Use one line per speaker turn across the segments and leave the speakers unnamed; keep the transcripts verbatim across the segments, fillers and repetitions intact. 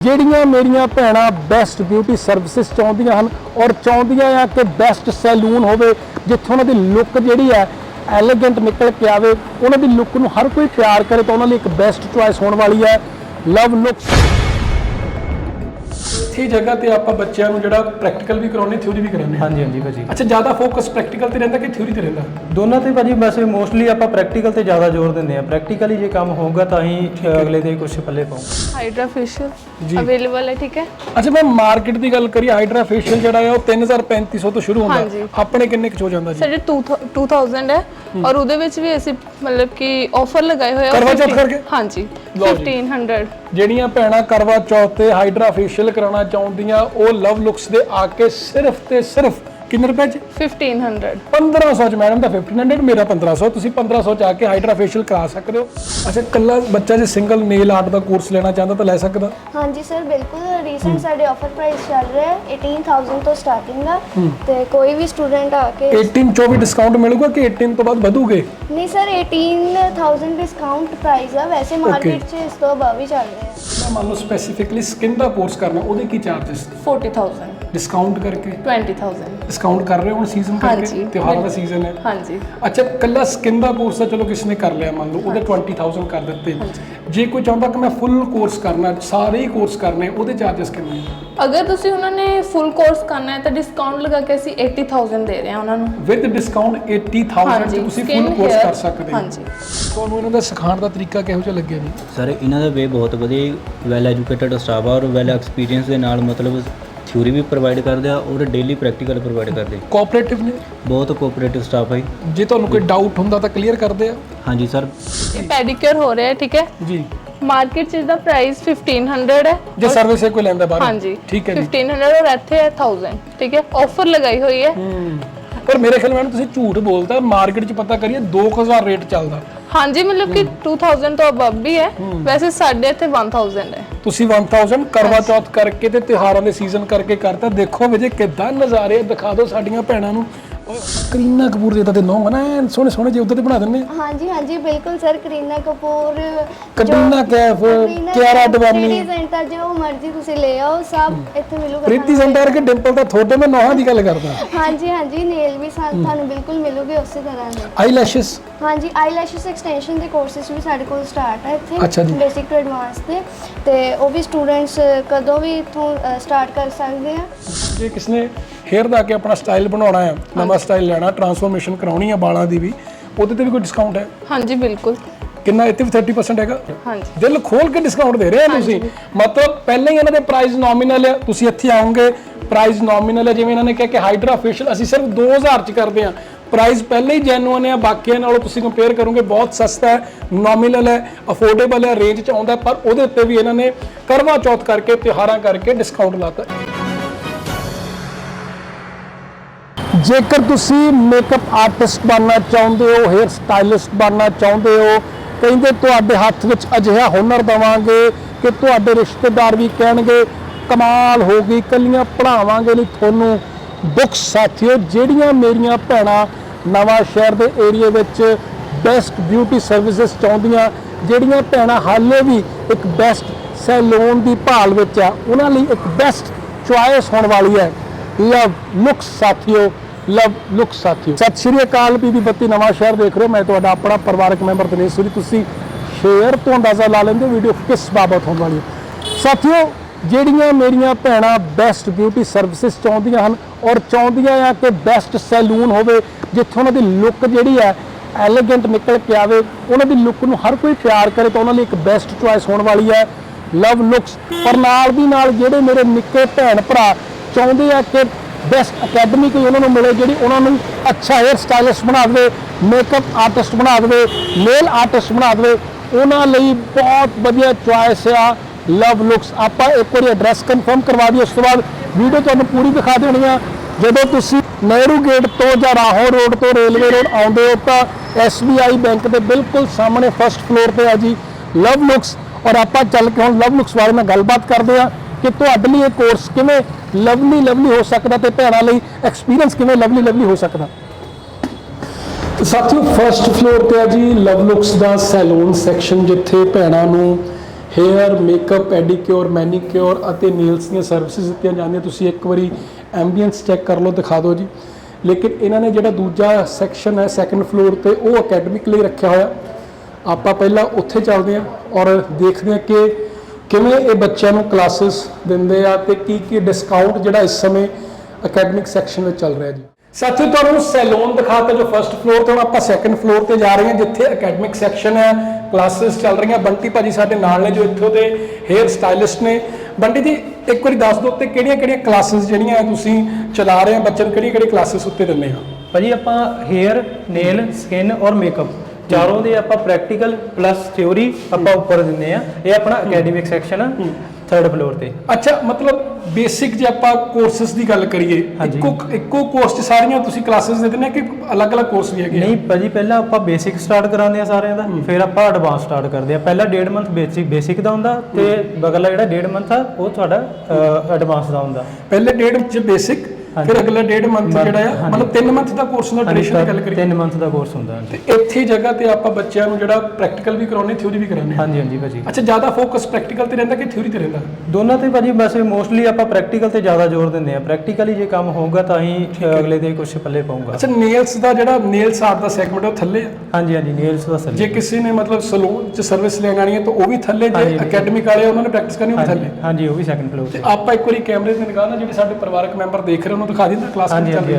ਜਿਹੜੀਆਂ ਮੇਰੀਆਂ ਭੈਣਾਂ ਬੈਸਟ ਬਿਊਟੀ ਸਰਵਿਸਿਜ਼ ਚਾਹੁੰਦੀਆਂ ਹਨ ਔਰ ਚਾਹੁੰਦੀਆਂ ਆ ਕਿ ਬੈਸਟ ਸੈਲੂਨ ਹੋਵੇ ਜਿੱਥੇ ਉਹਨਾਂ ਦੀ ਲੁੱਕ ਜਿਹੜੀ ਹੈ ਐਲੀਗੈਂਟ ਨਿਕਲ ਕੇ ਆਵੇ, ਉਹਨਾਂ ਦੀ ਲੁੱਕ ਨੂੰ ਹਰ ਕੋਈ ਪਿਆਰ ਕਰੇ ਤਾਂ ਉਹਨਾਂ ਲਈ ਇੱਕ ਬੈਸਟ ਚੁਆਇਸ ਹੋਣ ਵਾਲੀ ਹੈ ਲਵ ਲੁਕਸ। इसी जगह ਤੇ ਆਪਾਂ ਬੱਚਿਆਂ ਨੂੰ ਜਿਹੜਾ ਪ੍ਰੈਕਟੀਕਲ ਵੀ ਕਰਾਉਣੇ ਥਿਊਰੀ ਵੀ ਕਰਾਉਣੇ।
ਹਾਂਜੀ ਹਾਂਜੀ ਭਾਜੀ।
ਅੱਛਾ, ਜ਼ਿਆਦਾ ਫੋਕਸ ਪ੍ਰੈਕਟੀਕਲ ਤੇ ਰਹਿੰਦਾ ਕਿ ਥਿਊਰੀ ਤੇ ਰਹਿੰਦਾ?
ਦੋਨਾਂ ਤੇ ਭਾਜੀ, ਵੈਸੇ ਮੋਸਟਲੀ ਆਪਾਂ ਪ੍ਰੈਕਟੀਕਲ ਤੇ ਜ਼ਿਆਦਾ ਜ਼ੋਰ ਦਿੰਦੇ ਆ। ਪ੍ਰੈਕਟੀਕਲੀ ਜੇ ਕੰਮ ਹੋਊਗਾ ਤਾਂ ਹੀ ਅਗਲੇ ਦੇ ਕੁਝ ਪੱਲੇ ਪਾਉ।
ਹਾਈਡਰਾ ਫੇਸ਼ੀਅਲ ਅਵੇਲੇਬਲ ਹੈ, ਠੀਕ ਹੈ।
ਅੱਛਾ, ਮੈਂ ਮਾਰਕੀਟ ਦੀ ਗੱਲ ਕਰੀ, ਹਾਈਡਰਾ ਫੇਸ਼ੀਅਲ ਜਿਹੜਾ ਹੈ ਉਹ ਤਿੰਨ ਹਜ਼ਾਰ ਪੈਂਤੀ ਸੌ ਤੋਂ ਸ਼ੁਰੂ ਹੁੰਦਾ, ਆਪਣੇ ਕਿੰਨੇ ਕੁ ਹੋ ਜਾਂਦਾ ਜੀ?
ਸਾਡੇ ਦੋ ਹਜ਼ਾਰ ਹੈ ਔਰ ਉਹਦੇ ਵਿੱਚ ਵੀ ਅਸੀਂ ਮਤਲਬ ਕਿ ਆਫਰ ਲਗਾਏ ਹੋਏ ਆ
ਕਰਵਾ ਚੌਥ ਕਰਕੇ।
ਹਾਂਜੀ, ਪੰਦਰਾਂ ਸੌ। ਜਿਹੜੀਆਂ
ਭੈਣਾਂ ਕਰਵਾ ਚੌਥ ਤੇ ਹਾਈਡਰਾ ਫੇਸ਼ੀਅਲ ਕਰਾਉਣਾ ਚਾਹੁੰਦੀਆਂ ਉਹ ਲਵ ਲੁਕਸ ਦੇ ਆ ਕੇ ਸਿਰਫ ਤੇ ਸਿਰਫ ਕਿੰਨੇ ਰੁਪਏ ਚ?
ਪੰਦਰਾਂ ਸੌ।
ਪੰਦਰਾਂ ਸੌ ਚ ਮੈਡਮ ਦਾ ਪੰਦਰਾਂ ਸੌ, ਮੇਰਾ ਪੰਦਰਾਂ ਸੌ। ਤੁਸੀਂ ਪੰਦਰਾਂ ਸੌ ਚ ਆ ਕੇ ਹਾਈਡਰਾ ਫੇਸ਼ੀਅਲ ਕਰਾ ਸਕਦੇ ਹੋ। ਅੱਛਾ, ਕੱਲਾ ਬੱਚਾ ਜੇ ਸਿੰਗਲ ਨੇਲ ਆਰਟ ਦਾ ਕੋਰਸ ਲੈਣਾ ਚਾਹੁੰਦਾ ਤਾਂ ਲੈ ਸਕਦਾ?
ਹਾਂਜੀ ਸਰ, ਬਿਲਕੁਲ। ਰੀਸੈਂਟ ਸਾਡੇ ਆਫਰ ਪ੍ਰਾਈਸ ਚੱਲ ਰਿਹਾ ਹੈ ਅਠਾਰਾਂ ਹਜ਼ਾਰ ਤੋਂ ਸਟਾਰਟਿੰਗ ਦਾ, ਤੇ ਕੋਈ ਵੀ ਸਟੂਡੈਂਟ ਆ ਕੇ
ਅਠਾਰਾਂ ਚੋਂ ਵੀ ਡਿਸਕਾਊਂਟ ਮਿਲੂਗਾ ਕਿ ਅਠਾਰਾਂ ਤੋਂ ਬਾਅਦ ਵਧੂਗੇ?
ਨਹੀਂ ਸਰ, ਅਠਾਰਾਂ ਹਜ਼ਾਰ ਡਿਸਕਾਊਂਟ ਪ੍ਰਾਈਸ ਆ, ਵੈਸੇ ਮਾਰਕੀਟ 'ਚ ਇਸ ਤੋਂ ਅਬਵ ਹੀ ਚੱਲ ਰਿਹਾ ਹੈ।
ਮੈਂ ਮੰਨ ਲਓ ਸਪੈਸੀਫਿਕਲੀ ਸਕਿਨ ਦਾ ਕੋਰਸ ਕਰਨਾ, ਉਹਦੇ ਕੀ ਚਾਰजेस?
ਚਾਲੀ ਹਜ਼ਾਰ
ਡਿਸਕਾਊਂਟ ਕਰਕੇ
ਵੀਹ ਹਜ਼ਾਰ
ਡਿਸਕਾਊਂਟ ਕਰ ਰਹੇ ਹੋ ਹੁਣ ਸੀਜ਼ਨ ਕਰਕੇ, ਤਿਉਹਾਰਾਂ ਦਾ ਸੀਜ਼ਨ ਹੈ।
ਹਾਂਜੀ।
ਅੱਛਾ, ਕੱਲਾ ਸਕਿਨ ਦਾ ਕੋਰਸ ਤਾਂ ਚਲੋ ਕਿਸੇ ਨੇ ਕਰ ਲਿਆ, ਮੰਨ ਲਓ ਉਹਦੇ ਵੀਹ ਹਜ਼ਾਰ ਕਰ ਦਿੱਤੇ। ਜੇ ਕੋਈ ਚਾਹੁੰਦਾ ਕਿ ਮੈਂ ਫੁੱਲ ਕੋਰਸ ਕਰਨਾ, ਸਾਰੇ ਹੀ ਕੋਰਸ ਕਰਨੇ, ਉਹਦੇ ਚਾਰजेस ਕਿੰਨੇ ਨੇ?
ਅਗਰ ਤੁਸੀਂ ਉਹਨਾਂ ਨੇ ਫੁੱਲ ਕੋਰਸ ਕਰਨਾ ਹੈ ਤਾਂ ਡਿਸਕਾਊਂਟ ਲਗਾ ਕੇ ਅਸੀਂ ਅੱਸੀ ਹਜ਼ਾਰ ਦੇ ਰਹੇ ਹਾਂ ਉਹਨਾਂ ਨੂੰ।
ਵਿਦ ਡਿਸਕਾਊਂਟ ਅੱਸੀ ਹਜ਼ਾਰ ਚ ਤੁਸੀਂ ਫੁੱਲ ਕੋਰਸ ਕਰ ਸਕਦੇ ਹੋ।
ਹਾਂਜੀ।
ਤੁਹਾਨੂੰ ਇਹਨਾਂ ਦਾ ਸਿਖਾਉਣ ਦਾ ਤਰੀਕਾ ਕਿਹੋ ਜਿਹਾ ਲੱਗਿਆ ਜੀ?
ਸਰ, ਇਹਨਾਂ ਦਾ ਵੇ ਬਹੁਤ ਵਧੀਆ, ਵੈਲ ਐਜੂਕੇਟਡ ਸਟਾਫ ਆ ਔਰ ਵੈਲ ਐਕਸਪੀਰੀਅੰਸ ਦੇ ਨਾਲ ਮਤਲਬ ਥਿਊਰੀ ਵੀ ਪ੍ਰੋਵਾਈਡ ਕਰਦੇ ਆ ਔਰ ਡੇਲੀ ਪ੍ਰੈਕਟੀਕਲ ਪ੍ਰੋਵਾਈਡ ਕਰਦੇ।
ਕੋਆਪਰੇਟਿਵ ਨੇ?
ਬਹੁਤ ਕੋਆਪਰੇਟਿਵ ਸਟਾਫ ਹੈ।
ਜੇ ਤੁਹਾਨੂੰ ਕੋਈ ਡਾਊਟ ਹੁੰਦਾ ਤਾਂ ਕਲੀਅਰ ਕਰਦੇ ਆ?
ਹਾਂਜੀ ਸਰ।
ਇਹ ਪੈਡੀਕਿਉਰ ਹੋ ਰਿਹਾ ਹੈ, ਠੀਕ ਹੈ ਜੀ। ਮਾਰਕੀਟ 'ਚ ਦਾ ਪ੍ਰਾਈਸ ਪੰਦਰਾਂ ਸੌ ਹੈ
ਜੇ ਸਰਵਿਸ ਕੋਈ ਲੈਂਦਾ ਬਾਹਰ।
ਹਾਂਜੀ,
ਠੀਕ ਹੈ ਜੀ।
ਪੰਦਰਾਂ ਸੌ ਔਰ ਇੱਥੇ ਹੈ ਹਜ਼ਾਰ, ਠੀਕ ਹੈ। ਆਫਰ ਲਗਾਈ ਹੋਈ ਹੈ।
ਪਰ ਮੇਰੇ ਖਿਆਲ ਨਾਲ ਤੁਸੀਂ ਝੂਠ ਬੋਲਦਾ, ਮਾਰਕੀਟ 'ਚ ਪਤਾ ਕਰੀਏ ਦੋ ਹਜ਼ਾਰ ਰੇਟ ਚੱਲਦਾ।
ਹਾਂਜੀ, ਮਤਲਬ ਕਿ ਦੋ ਹਜ਼ਾਰ ਤੋਂ ਅਬਵ ਵੀ ਹੈ, ਵੈਸੇ ਸਾਡੇ ਇੱਥੇ ਇੱਕ ਹਜ਼ਾਰ ਹੈ।
ਤੁਸੀਂ ਇੱਕ ਹਜ਼ਾਰ ਕਰਵਾ ਚੌਥ ਕਰਕੇ ਤੇ ਤਿਉਹਾਰਾਂ ਦੇ ਸੀਜ਼ਨ ਕਰਕੇ ਕਰਤਾ। ਦੇਖੋ ਵਜੇ ਕਿੱਦਾਂ ਨਜ਼ਾਰੇ ਦਿਖਾ ਦਿਓ ਸਾਡੀਆਂ ਭੈਣਾਂ ਨੂੰ। ਕਰੀਨਾ ਕਪੂਰ ਦੇ ਤਾਂ ਤੇ ਨੌਂ ਨਾ ਸੋਹਣੇ ਸੋਹਣੇ ਜਿਹੇ ਉੱਧਰ ਤੇ ਬਣਾ ਦਿੰਦੇ।
ਹਾਂਜੀ ਹਾਂਜੀ ਬਿਲਕੁਲ ਸਰ, ਕਰੀਨਾ ਕਪੂਰ,
ਕਟਰੀਨਾ ਕੈਫ, ਕਿਆਰਾ ਅਡਵਾਨੀ,
ਪ੍ਰੀਤੀ ਜ਼ਿੰਟਾ, ਜੋ ਮਰਜ਼ੀ ਤੁਸੀਂ ਲੈ ਆਓ, ਸਭ ਇੱਥੇ ਮਿਲੂਗਾ।
ਪ੍ਰੀਤੀ ਜ਼ਿੰਟਾ ਕਿ ਡਿੰਪਲ ਤਾਂ ਤੁਹਾਡੇ ਮੈਂ ਨੌਹਾਂ ਦੀ ਗੱਲ ਕਰਦਾ।
ਹਾਂਜੀ ਹਾਂਜੀ, ਨੇਲ ਵੀ ਤੁਹਾਨੂੰ ਬਿਲਕੁਲ ਮਿਲੂਗੇ ਉਸੇ ਤਰ੍ਹਾਂ ਦੇ।
ਆਈਲੈਸ਼ਸ? ਹਾਂਜੀ,
ਆਈਲੈਸ਼ਸ ਐਕਸਟੈਂਸ਼ਨ ਦੇ ਕੋਰਸਿਸ ਵੀ ਸਾਡੇ ਕੋਲ ਸਟਾਰਟ ਹੈ ਇੱਥੇ।
ਅੱਛਾ ਜੀ।
ਬੇਸਿਕ ਟੂ ਐਡਵਾਂਸ ਦੇ, ਤੇ ਉਹ ਵੀ ਸਟੂਡੈਂਟਸ ਕਦੋਂ ਵੀ ਇੱਥੋਂ ਸਟਾਰਟ ਕਰ ਸਕਦੇ ਆ।
ਜੇ ਕਿਸਨੇ ਹੇਅਰ ਦਾ ਕੇ ਆਪਣਾ ਸਟਾਈਲ ਬਣਾਉਣਾ ਹੈ, ਨਵਾਂ ਸਟਾਈਲ ਲੈਣਾ, ਟਰਾਂਸਫਾਰਮੇਸ਼ਨ ਕਰਾਉਣੀ ਹੈ ਬਾਲਾਂ ਦੀ ਵੀ, ਉਹਦੇ ਤੇ ਵੀ ਕੋਈ ਡਿਸਕਾਊਂਟ ਹੈ?
ਹਾਂਜੀ ਬਿਲਕੁਲ।
ਕਿੰਨਾ? ਇੱਥੇ ਵੀ ਤੀਹ ਪਰਸੈਂਟ ਹੈਗਾ।
ਹਾਂਜੀ,
ਦਿਲ ਖੋਲ ਕੇ ਡਿਸਕਾਊਂਟ ਦੇ ਰਹੇ ਆ ਤੁਸੀਂ। ਮਤਲਬ ਪਹਿਲਾਂ ਹੀ ਇਹਨਾਂ ਦੇ ਪ੍ਰਾਈਸ ਨੋਮੀਨਲ ਹੈ, ਤੁਸੀਂ ਇੱਥੇ ਆਓਗੇ ਪ੍ਰਾਈਸ ਨੋਮੀਨਲ ਹੈ। ਜਿਵੇਂ ਇਹਨਾਂ ਨੇ ਕਿਹਾ ਕਿ ਹਾਈਡਰਾ ਫੇਸ਼ੀਅਲ ਅਸੀਂ ਸਿਰਫ ਦੋ ਹਜ਼ਾਰ ਚ ਕਰਦੇ ਹਾਂ, ਪ੍ਰਾਈਸ ਪਹਿਲਾਂ ਹੀ ਜੈਨੂਅਨ ਹੈ। ਬਾਕੀਆਂ ਨਾਲੋਂ ਤੁਸੀਂ ਕੰਪੇਅਰ ਕਰੋਗੇ ਬਹੁਤ ਸਸਤਾ ਹੈ, ਨੋਮੀਨਲ ਹੈ, ਅਫੋਰਡੇਬਲ ਹੈ, ਰੇਂਜ ਚ ਆਉਂਦਾ। ਪਰ ਉਹਦੇ ਉੱਤੇ ਵੀ ਇਹਨਾਂ ਨੇ ਕਰਵਾ ਚੌਥ ਕਰਕੇ, ਤਿਉਹਾਰਾਂ ਕਰਕੇ ਡਿਸਕਾਊਂਟ ਲਾਤਾ। ਜੇਕਰ ਤੁਸੀਂ ਮੇਕਅਪ ਆਰਟਿਸਟ ਬਣਨਾ ਚਾਹੁੰਦੇ ਹੋ, ਹੇਅਰ ਸਟਾਈਲਿਸਟ ਬਣਨਾ ਚਾਹੁੰਦੇ ਹੋ, ਕਹਿੰਦੇ ਤੁਹਾਡੇ ਹੱਥ ਵਿੱਚ ਅਜਿਹਾ ਹੁਨਰ ਦੇਵਾਂਗੇ ਕਿ ਤੁਹਾਡੇ ਰਿਸ਼ਤੇਦਾਰ ਵੀ ਕਹਿਣਗੇ ਕਮਾਲ ਹੋ ਗਈ, ਕੱਲੀਆਂ ਪੜ੍ਹਾਵਾਂਗੇ ਨਹੀਂ ਤੁਹਾਨੂੰ। ਬੁੱਕਸ ਸਾਥੀਓ, ਜਿਹੜੀਆਂ ਮੇਰੀਆਂ ਭੈਣਾਂ ਨਵਾਂ ਸ਼ਹਿਰ ਦੇ ਏਰੀਏ ਵਿੱਚ ਬੈਸਟ ਬਿਊਟੀ ਸਰਵਿਸਿਜ਼ ਚਾਹੁੰਦੀਆਂ, ਜਿਹੜੀਆਂ ਭੈਣਾਂ ਹਾਲੇ ਵੀ ਇੱਕ ਬੈਸਟ ਸੈਲੂਨ ਦੀ ਭਾਲ ਵਿੱਚ ਆ, ਉਹਨਾਂ ਲਈ ਇੱਕ ਬੈਸਟ ਚੁਆਇਸ ਹੋਣ ਵਾਲੀ ਹੈ ਲਵ ਲੁਕਸ ਸਾਥੀਓ। ਲਵ ਲੁਕਸ ਸਾਥੀਓ। ਸਤਿ ਸ਼੍ਰੀ ਅਕਾਲ। ਬੀਬੀ ਬੱਤੀ ਨਵਾਂ ਸ਼ਹਿਰ ਦੇਖ ਰਹੇ ਹੋ, ਮੈਂ ਤੁਹਾਡਾ ਆਪਣਾ ਪਰਿਵਾਰਕ ਮੈਂਬਰ ਦਿਨੇਸ਼ ਸੂਰੀ। ਤੁਸੀਂ ਸ਼ੇਅਰ ਤੋਂ ਅੰਦਾਜ਼ਾ ਲਾ ਲੈਂਦੇ ਵੀਡੀਓ ਕਿਸ ਬਾਬਤ ਹੋਣ ਵਾਲੀ ਹੈ। ਸਾਥੀਓ, ਜਿਹੜੀਆਂ ਮੇਰੀਆਂ ਭੈਣਾਂ ਬੈਸਟ ਬਿਊਟੀ ਸਰਵਿਸਿਜ਼ ਚਾਹੁੰਦੀਆਂ ਹਨ ਔਰ ਚਾਹੁੰਦੀਆਂ ਆ ਕਿ ਬੈਸਟ ਸੈਲੂਨ ਹੋਵੇ ਜਿੱਥੇ ਉਹਨਾਂ ਦੀ ਲੁੱਕ ਜਿਹੜੀ ਹੈ ਐਲੀਗੈਂਟ ਨਿਕਲ ਕੇ ਆਵੇ, ਉਹਨਾਂ ਦੀ ਲੁੱਕ ਨੂੰ ਹਰ ਕੋਈ ਪਿਆਰ ਕਰੇ ਤਾਂ ਉਹਨਾਂ ਲਈ ਇੱਕ ਬੈਸਟ ਚੁਆਇਸ ਹੋਣ ਵਾਲੀ ਹੈ ਲਵ ਲੁਕਸ। ਪਰ ਨਾਲ ਦੀ ਨਾਲ ਜਿਹੜੇ ਮੇਰੇ ਨਿੱਕੇ ਭੈਣ ਭਰਾ ਚਾਹੁੰਦੇ ਆ ਕਿ ਬੈਸਟ ਅਕੈਡਮੀ ਕੋਈ ਉਹਨਾਂ ਨੂੰ ਮਿਲੇ ਜਿਹੜੀ ਉਹਨਾਂ ਨੂੰ ਅੱਛਾ ਹੇਅਰ ਸਟਾਈਲਿਸਟ ਬਣਾ ਦੇਵੇ, ਮੇਕਅਪ ਆਰਟਿਸਟ ਬਣਾ ਦੇਵੇ, ਨੇਲ ਆਰਟਿਸਟ ਬਣਾ ਦੇਵੇ, ਉਹਨਾਂ ਲਈ ਬਹੁਤ ਵਧੀਆ ਚੁਆਇਸ ਆ ਲਵ ਲੁਕਸ। ਆਪਾਂ ਇੱਕ ਵਾਰੀ ਐਡਰੈਸ ਕਨਫਰਮ ਕਰਵਾ ਦਈਏ, ਉਸ ਤੋਂ ਬਾਅਦ ਵੀਡੀਓ ਤੁਹਾਨੂੰ ਪੂਰੀ ਦਿਖਾ ਦੇਣੀ ਆ। ਜਦੋਂ ਤੁਸੀਂ ਨਹਿਰੂ ਗੇਟ ਤੋਂ ਜਾਂ ਰਾਹੋਂ ਰੋਡ ਤੋਂ ਰੇਲਵੇ ਰੋਡ ਆਉਂਦੇ ਹੋ ਤਾਂ ਐਸ ਬੀ ਆਈ ਬੈਂਕ ਦੇ ਬਿਲਕੁਲ ਸਾਹਮਣੇ ਫਸਟ ਫਲੋਰ ਤੇ ਆ ਜੀ ਲਵ ਲੁਕਸ। ਔਰ ਆਪਾਂ ਚੱਲ ਕੇ ਹੁਣ ਲਵ ਲੁਕਸ ਬਾਰੇ ਨਾਲ ਗੱਲਬਾਤ ਕਰਦੇ ਆ ਕਿ ਤੁਹਾਡੇ ਲਈ ਇਹ ਕੋਰਸ ਕਿਵੇਂ ਲਵਲੀ ਲਵਲੀ ਹੋ ਸਕਦਾ ਤੇ ਭੈਣਾਂ ਲਈ ਐਕਸਪੀਰੀਅੰਸ ਕਿਵੇਂ ਲਵਲੀ ਲਵਲੀ ਹੋ ਸਕਦਾ। ਸਾਥੀਓ, ਫਸਟ ਫਲੋਰ ਤੇ ਆ ਜੀ ਲਵ ਲੁਕਸ ਦਾ ਸੈਲੂਨ ਸੈਕਸ਼ਨ, ਜਿੱਥੇ ਭੈਣਾਂ ਨੂੰ ਹੇਅਰ ਮੇਕਅਪ ਪੈਡੀਕਿਉਰ ਮੈਨੀਕਿਉਰ ਅਤੇ ਨੇਲਸ ਦੀਆਂ ਸਰਵਿਸਿਜ਼ ਦਿੱਤੀਆਂ ਜਾਂਦੀਆਂ। ਤੁਸੀਂ ਇੱਕ ਵਾਰੀ ਐਂਬੀਐਂਸ ਚੈੱਕ ਕਰ ਲਓ, ਦਿਖਾ ਦਿਓ ਜੀ। ਲੇਕਿਨ ਇਹਨਾਂ ਨੇ ਜਿਹੜਾ ਦੂਜਾ ਸੈਕਸ਼ਨ ਹੈ ਸੈਕੰਡ ਫਲੋਰ ਤੇ ਉਹ ਅਕੈਡਮਿਕ ਲਈ ਰੱਖਿਆ ਹੋਇਆ। ਆਪਾਂ ਪਹਿਲਾਂ ਉੱਥੇ ਚੱਲਦੇ ਹਾਂ ਔਰ ਦੇਖਦੇ ਹਾਂ ਕਿ ਕਿਵੇਂ ਇਹ ਬੱਚਿਆਂ ਨੂੰ ਕਲਾਸਿਸ ਦਿੰਦੇ ਆ ਤੇ ਕੀ ਕੀ ਡਿਸਕਾਊਂਟ ਜਿਹੜਾ ਇਸ ਸਮੇਂ ਅਕੈਡਮਿਕ ਸੈਕਸ਼ਨ ਵਿੱਚ ਚੱਲ ਰਿਹਾ ਜੀ। ਸਾਥੀਓ ਤੁਹਾਨੂੰ ਸੈਲੂਨ ਦਿਖਾਤਾ ਜੋ ਫਰਸਟ ਫਲੋਰ ਤੇ, ਹੁਣ ਆਪਾਂ ਸੈਕੰਡ ਫਲੋਰ ਤੇ ਜਾ ਰਹੇ ਹਾਂ ਜਿੱਥੇ ਅਕੈਡਮਿਕ ਸੈਕਸ਼ਨ ਹੈ, ਕਲਾਸਿਸ ਚੱਲ ਰਹੀਆਂ। ਬੰਟੀ ਭਾਜੀ ਸਾਡੇ ਨਾਲ ਨੇ ਜੋ ਇੱਥੋਂ ਦੇ ਹੇਅਰ ਸਟਾਈਲਿਸਟ ਨੇ। ਬੰਟੀ ਜੀ ਇੱਕ ਵਾਰੀ ਦੱਸ ਦਿਓ ਤੇ ਕਿਹੜੀਆਂ ਕਿਹੜੀਆਂ ਕਲਾਸਿਸ ਜਿਹੜੀਆਂ ਤੁਸੀਂ ਚਲਾ ਰਹੇ ਆ, ਬੱਚਿਆਂ ਨੂੰ ਕਿਹੜੀਆਂ ਕਿਹੜੀਆਂ ਕਲਾਸਿਸ ਉੱਤੇ ਦਿੰਦੇ ਆ?
ਭਾਜੀ ਆਪਾਂ ਹੇਅਰ, ਨੇਲ, ਸਕਿਨ ਔਰ ਮੇਕਅਪ ਚਾਰੋਂ ਦੇ ਆਪਾਂ ਪ੍ਰੈਕਟੀਕਲ ਪਲੱਸ ਥਿਉਰੀ ਆਪਾਂ ਉੱਪਰ ਦਿੰਦੇ ਆ। ਇਹ ਆਪਣਾ ਅਕੈਡਮਿਕ ਸੈਕਸ਼ਨ ਆ ਥਰਡ ਫਲੋਰ ਤੇ।
ਅੱਛਾ, ਮਤਲਬ ਬੇਸਿਕ ਜੇ ਆਪਾਂ ਕੋਰਸਸ ਦੀ ਗੱਲ ਕਰੀਏ, ਇੱਕੋ ਇੱਕੋ ਕੋਰਸ 'ਚ ਸਾਰੀਆਂ ਤੁਸੀਂ ਕਲਾਸਿਸ ਦੇ ਦਿੰਦੇ ਆ ਕਿ ਅਲੱਗ-ਅਲੱਗ ਕੋਰਸ ਵੀ ਹੈਗੇ?
ਨਹੀਂ ਭਾਜੀ, ਪਹਿਲਾਂ ਆਪਾਂ ਬੇਸਿਕ ਸਟਾਰਟ ਕਰਾਉਂਦੇ ਆ ਸਾਰਿਆਂ ਦਾ, ਫਿਰ ਆਪਾਂ ਐਡਵਾਂਸ ਸਟਾਰਟ ਕਰਦੇ ਆ। ਪਹਿਲਾ ਡੇਢ ਮੰਥ ਬੇਸਿਕ ਬੇਸਿਕ ਦਾ ਹੁੰਦਾ ਤੇ ਬਗਲਾ ਜਿਹੜਾ ਡੇਢ ਮੰਥ ਆ ਉਹ ਤੁਹਾਡਾ ਐਡਵਾਂਸ ਦਾ ਹੁੰਦਾ।
ਪਹਿਲੇ ਡੇਢ 'ਚ ਬੇਸਿਕ, ਫਿਰ ਅਗਲਾ ਡੇਢ ਮੰਥ ਜਿਹੜਾ ਆ ਮਤਲਬ ਤਿੰਨ ਮੰਥ ਦਾ ਕੋਰਸ ਹੁੰਦਾ। ਡਿਊਰੇਸ਼ਨ ਦੀ ਗੱਲ ਕਰੀਏ
ਤਿੰਨ ਮੰਥ ਦਾ ਕੋਰਸ ਹੁੰਦਾ
ਤੇ ਇੱਥੇ ਜਗ੍ਹਾ ਤੇ ਆਪਾਂ ਬੱਚਿਆਂ ਨੂੰ ਜਿਹੜਾ ਪ੍ਰੈਕਟੀਕਲ ਵੀ ਕਰਾਉਣੇ, ਥਿਊਰੀ ਵੀ ਕਰਾਉਣੇ।
ਹਾਂਜੀ ਹਾਂਜੀ ਭਾਜੀ।
ਅੱਛਾ, ਜ਼ਿਆਦਾ ਫੋਕਸ ਪ੍ਰੈਕਟੀਕਲ ਤੇ ਰਹਿੰਦਾ ਕਿ ਥਿਊਰੀ ਤੇ ਰਹਿੰਦਾ?
ਦੋਨਾਂ ਤੇ ਭਾਜੀ, ਵੈਸੇ ਮੋਸਟਲੀ ਆਪਾਂ ਪ੍ਰੈਕਟੀਕਲ ਤੇ ਜ਼ਿਆਦਾ ਜ਼ੋਰ ਦਿੰਦੇ ਆ। ਪ੍ਰੈਕਟੀਕਲੀ ਜੇ ਕੰਮ ਹੋਊਗਾ ਤਾਂ ਹੀ ਅਗਲੇ ਦੇ ਕੁਝ ਪੱਲੇ ਪਾਊਗਾ।
ਅੱਛਾ, ਨੇਲਸ ਦਾ ਜਿਹੜਾ ਨੇਲਸ ਆਰਟ ਦਾ ਸੈਗਮੈਂਟ ਉਹ ਥੱਲੇ ਆ?
ਹਾਂਜੀ ਹਾਂਜੀ, ਨੇਲਸ ਦਾ ਸਰ।
ਜੇ ਕਿਸੇ ਨੇ ਮਤਲਬ ਸਲੂਨ 'ਚ ਸਰਵਿਸ ਲੈਣੀ ਹੈ ਤਾਂ ਉਹ ਵੀ ਥੱਲੇ, ਜੇ ਅਕੈਡਮਿਕ ਵਾਲੇ ਉਹਨਾਂ ਨੇ ਪ੍ਰੈਕਟਿਸ ਕਰਨੀ ਉਹ ਵੀ ਥੱਲੇ?
ਹਾਂਜੀ, ਉਹ ਵੀ ਸੈਕੰਡ ਫਲੋਰ
ਤੇ ਆਪਾਂ ਇੱਕ ਵਾਰੀ ਕੈਮਰੇ ਤੇ ਨਿਗਾਹ ਨਾਲ ਜਿਹੜੇ ਸਾਡੇ ਪਰਿਵਾਰਕ ਮੈਂਬਰ ਦੇਖ ਰਹੇ ਉਹਨੂੰ ਦਿਖਾ ਦਿੰਦਾ ਕਲਾਸ
ਹਾਂਜੀ ਹਾਂਜੀ।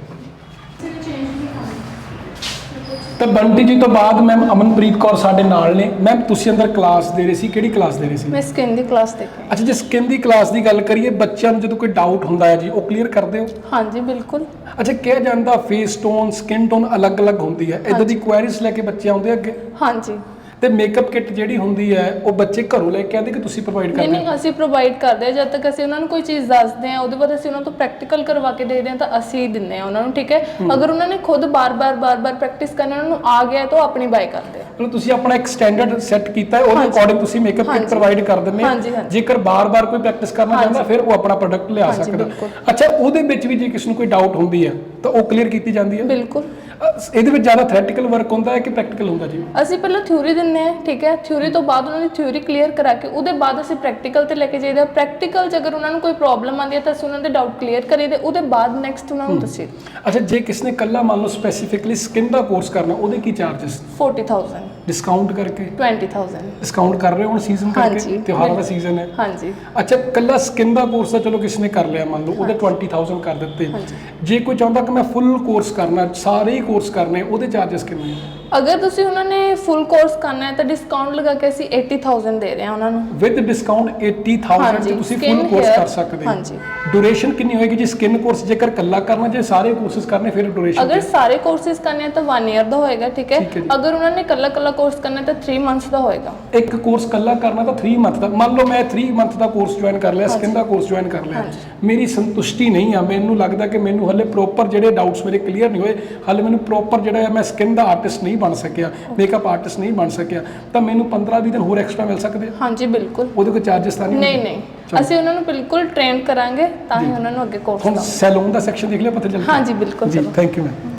ਤਾਂ ਬੰਟੀ ਜੀ ਤੋਂ ਬਾਅਦ ਮੈਮ ਅਮਨਪ੍ਰੀਤ ਕੌਰ ਸਾਡੇ ਨਾਲ ਨੇ। ਮੈਮ ਤੁਸੀਂ ਅੰਦਰ ਕਲਾਸ ਦੇ ਰਹੇ ਸੀ, ਕਿਹੜੀ ਕਲਾਸ ਦੇ ਰਹੇ ਸੀ?
ਮੈਂ ਸਕਿਨ ਦੀ ਕਲਾਸ ਦੇ ਕੇ।
ਅੱਛਾ, ਜੇ ਸਕਿਨ ਦੀ ਕਲਾਸ ਦੀ ਗੱਲ ਕਰੀਏ, ਬੱਚਿਆਂ ਨੂੰ ਜਦੋਂ ਕੋਈ ਡਾਊਟ ਹੁੰਦਾ ਹੈ ਜੀ ਉਹ ਕਲੀਅਰ ਕਰਦੇ ਹੋ?
ਹਾਂਜੀ ਬਿਲਕੁਲ।
ਅੱਛਾ, ਕਿਹਾ ਜਾਂਦਾ ਫੇਸ ਟੋਨ ਸਕਿਨ ਟੋਨ ਅਲੱਗ-ਅਲੱਗ ਹੁੰਦੀ ਹੈ, ਇਦਾਂ ਦੀ ਕੁਐਰੀਜ਼ ਲੈ ਕੇ ਬੱਚੇ ਆਉਂਦੇ ਅੱਗੇ?
ਹਾਂਜੀ।
ਤੇ ਮੇਕਅਪ ਕਿੱਟ ਜਿਹੜੀ ਹੁੰਦੀ ਹੈ ਉਹ ਬੱਚੇ ਘਰੋਂ ਲੈ ਕੇ ਆਉਂਦੇ ਕਿ ਤੁਸੀਂ ਪ੍ਰੋਵਾਈਡ ਕਰਦੇ
ਹੋ? ਨਹੀਂ, ਅਸੀਂ ਪ੍ਰੋਵਾਈਡ ਕਰਦੇ ਹਾਂ। ਜਦ ਤੱਕ ਅਸੀਂ ਉਹਨਾਂ ਨੂੰ ਕੋਈ ਚੀਜ਼ ਦੱਸਦੇ ਹਾਂ ਉਹਦੇ ਬਾਅਦ ਅਸੀਂ ਉਹਨਾਂ ਤੋਂ ਪ੍ਰੈਕਟੀਕਲ ਕਰਵਾ ਕੇ ਦੇਖਦੇ ਹਾਂ ਤਾਂ ਅਸੀਂ ਦਿੰਦੇ ਹਾਂ ਉਹਨਾਂ ਨੂੰ, ਠੀਕ ਹੈ। ਅਗਰ ਉਹਨਾਂ ਨੇ ਖੁਦ ਬਾਰ-ਬਾਰ ਬਾਰ-ਬਾਰ ਪ੍ਰੈਕਟਿਸ ਕਰਨਾ ਉਹਨਾਂ ਨੂੰ ਆ ਗਿਆ ਤਾਂ ਉਹ ਆਪਣੀ ਬਾਈ ਕਰਦੇ ਆ।
ਮਤਲਬ ਤੁਸੀਂ ਆਪਣਾ ਇੱਕ ਸਟੈਂਡਰਡ ਸੈੱਟ ਕੀਤਾ ਹੈ, ਉਹਦੇ ਅਕੋਰਡਿੰਗ ਤੁਸੀਂ ਮੇਕਅਪ ਕਿੱਟ ਪ੍ਰੋਵਾਈਡ ਕਰ ਦਿੰਦੇ ਹੋ। ਜੇਕਰ ਬਾਰ-ਬਾਰ ਕੋਈ ਪ੍ਰੈਕਟਿਸ ਕਰਨਾ ਚਾਹੁੰਦਾ ਫਿਰ ਉਹ ਆਪਣਾ ਪ੍ਰੋਡਕਟ ਲਿਆ ਸਕਦਾ। ਅੱਛਾ, ਉਹਦੇ ਵਿੱਚ ਵੀ ਜੇ ਕਿਸ ਨੂੰ ਕੋਈ ਡਾਊਟ ਹੁੰਦੀ ਹੈ ਤਾਂ ਉਹ ਕਲੀਅਰ ਕੀਤੀ ਜਾਂਦੀ ਹੈ?
ਬਿਲਕੁਲ।
ਇਹਦੇ ਵਿੱਚ ਜ਼ਿਆਦਾ ਥਿਓਰੈਟੀਕਲ ਵਰਕ ਹੁੰਦਾ ਹੈ ਕਿ ਪ੍ਰੈਕਟੀਕਲ ਹੁੰਦਾ ਜੀ?
ਅਸੀਂ ਪਹਿਲਾਂ ਥਿਊਰੀ ਦਿੰਦੇ ਹਾਂ, ਠੀਕ ਹੈ। ਥਿਊਰੀ ਤੋਂ ਬਾਅਦ ਉਹਨਾਂ ਦੀ ਥਿਊਰੀ ਕਲੀਅਰ ਕਰਾ ਕੇ ਉਹਦੇ ਬਾਅਦ ਅਸੀਂ ਪ੍ਰੈਕਟੀਕਲ ਤੇ ਲੈ ਕੇ ਜਾਈਦਾ। ਪ੍ਰੈਕਟੀਕਲ 'ਚ ਅਗਰ ਉਹਨਾਂ ਨੂੰ ਕੋਈ ਪ੍ਰੋਬਲਮ ਆਉਂਦੀ ਹੈ ਤਾਂ ਅਸੀਂ ਉਹਨਾਂ ਦੇ ਡਾਊਟ ਕਲੀਅਰ ਕਰੀਦੇ, ਉਹਦੇ ਬਾਅਦ ਨੈਕਸਟ ਉਹਨਾਂ ਨੂੰ ਦੱਸੀਏ।
ਅੱਛਾ, ਜੇ ਕਿਸ ਨੇ ਕੱਲਾ ਮੰਨ ਲਓ ਸਪੈਸੀਫਿਕਲੀ ਸਕਿਨ ਦਾ ਕੋਰਸ ਕਰਨਾ ਉਹਦੇ ਕੀ ਚਾਰजेस?
ਚਾਲੀ ਹਜ਼ਾਰ
ਡਿਸਕਾਊਂਟ ਕਰਕੇ?
ਵੀਹ ਹਜ਼ਾਰ
ਡਿਸਕਾਊਂਟ ਕਰ ਰਹੇ ਹੋ ਹੁਣ ਸੀਜ਼ਨ ਕਰਕੇ, ਤਿਉਹਾਰਾਂ ਦਾ ਸੀਜ਼ਨ ਹੈ।
ਹਾਂਜੀ।
ਅੱਛਾ, ਕੱਲਾ ਸਕਿਨ ਦਾ ਕੋਰਸ ਤਾਂ ਚਲੋ ਕਿਸ ਨੇ ਕਰ ਲਿਆ ਮੰਨ ਲਓ ਉਹਦੇ ਵੀਹ ਹਜ਼ਾਰ ਕਰ ਦਿੱਤੇ। ਜੇ ਕੋਈ ਚਾਹੁੰਦਾ ਕਿ ਮੈਂ ਫੁੱਲ ਕੋਰਸ ਕਰਨਾ, ਸਾਰੇ ਹੀ ਕੋਰਸ ਕਰਨੇ, ਉਹਦੇ ਚਾਰजेस ਕਿੰਨੇ ਹੈ?
ਅਗਰ ਤੁਸੀਂ ਉਹਨਾਂ ਨੇ ਫੁੱਲ ਕੋਰਸ ਕਰਨਾ ਹੈ ਤਾਂ ਡਿਸਕਾਊਂਟ ਲਗਾ ਕੇ ਅਸੀਂ ਅੱਸੀ ਹਜ਼ਾਰ ਦੇ ਰਹੇ ਹਾਂ ਉਹਨਾਂ ਨੂੰ।
ਵਿਦ ਡਿਸਕਾਊਂਟ ਅੱਸੀ ਹਜ਼ਾਰ ਚ ਤੁਸੀਂ ਫੁੱਲ ਕੋਰਸ ਕਰ ਸਕਦੇ ਹੋ।
ਹਾਂਜੀ।
ਡਿਊਰੇਸ਼ਨ ਕਿੰਨੀ ਹੋਏਗੀ ਜੀ ਸਕਿਨ ਕੋਰਸ ਜੇਕਰ ਕੱਲਾ ਕਰਨਾ, ਜੇ ਸਾਰੇ ਕੋਰਸਸ ਕਰਨੇ ਫਿਰ ਡਿਊਰੇਸ਼ਨ?
ਅਗਰ ਸਾਰੇ ਕੋਰਸਿਸ ਕਰਨੇ ਤਾਂ ਇੱਕ ਈਅਰ ਦਾ ਹੋਏਗਾ, ਠੀਕ ਹੈ। ਅਗਰ ਉਹਨਾਂ ਨੇ ਕੱਲਾ ਕੱਲਾ ਕੋਰਸ ਕਰਨਾ ਤਾਂ ਤਿੰਨ ਮੰਥਸ ਦਾ ਹੋਏਗਾ।
ਇੱਕ ਕੋਰਸ ਕੱਲਾ ਕਰਨਾ ਤਾਂ ਤਿੰਨ ਮੰਥ ਦਾ। ਮੰਨ ਲਓ ਮੈਂ ਤਿੰਨ ਮੰਥ ਦਾ ਕੋਰਸ ਜੁਆਇਨ ਕਰ ਲਿਆ, ਸਕਿਨ ਦਾ ਕੋਰਸ ਜੁਆਇਨ ਕਰ ਲਿਆ, ਮੇਰੀ ਸੰਤੁਸ਼ਟੀ ਨਹੀਂ ਆ, ਮੈਨੂੰ ਲੱਗਦਾ ਕਿ ਮੈਨੂੰ ਹਲੇ ਪ੍ਰੋਪਰ ਜਿਹੜੇ ਡਾਊਟਸ ਮੇਰੇ ਕਲੀਅਰ ਨਹੀਂ ਹੋਏ, ਹਲੇ ਮੈਨੂੰ ਪ੍ਰੋਪਰ ਜਿਹੜਾ ਮੈਂ ਸਕਿਨ ਦਾ ਆਰਟਿਸਟ ਨਹੀਂ ਬਣ ਸਕਿਆ, ਮੇਕਅਪ ਆਰਟਿਸਟ ਨਹੀਂ ਬਣ ਸਕਿਆ, ਤਾਂ ਮੈਨੂੰ ਪੰਦਰਾਂ ਵੀਹ ਦਿਨ ਹੋਰ ਐਕਸਟਰਾ ਮਿਲ ਸਕਦੇ ਆ? ਹਾਂਜੀ ਬਿਲਕੁਲ। ਉਹਦੇ ਕੋਈ ਚਾਰजेस ਤਾਂ ਨਹੀਂ?
ਨਹੀਂ ਨਹੀਂ, ਅਸੀਂ ਉਹਨਾਂ ਨੂੰ ਬਿਲਕੁਲ ਟ੍ਰੇਨ ਕਰਾਂਗੇ ਤਾਂ ਹੀ ਉਹਨਾਂ ਨੂੰ ਅੱਗੇ ਕੋਰਸ
ਹੁਣ ਸੈਲੂਨ ਦਾ ਸੈਕਸ਼ਨ ਦੇਖ ਲਿਆ, ਪਤਾ ਚੱਲ ਗਿਆ?
ਹਾਂਜੀ ਬਿਲਕੁਲ।
ਜੀ ਥੈਂਕ ਯੂ ਮੈਮ।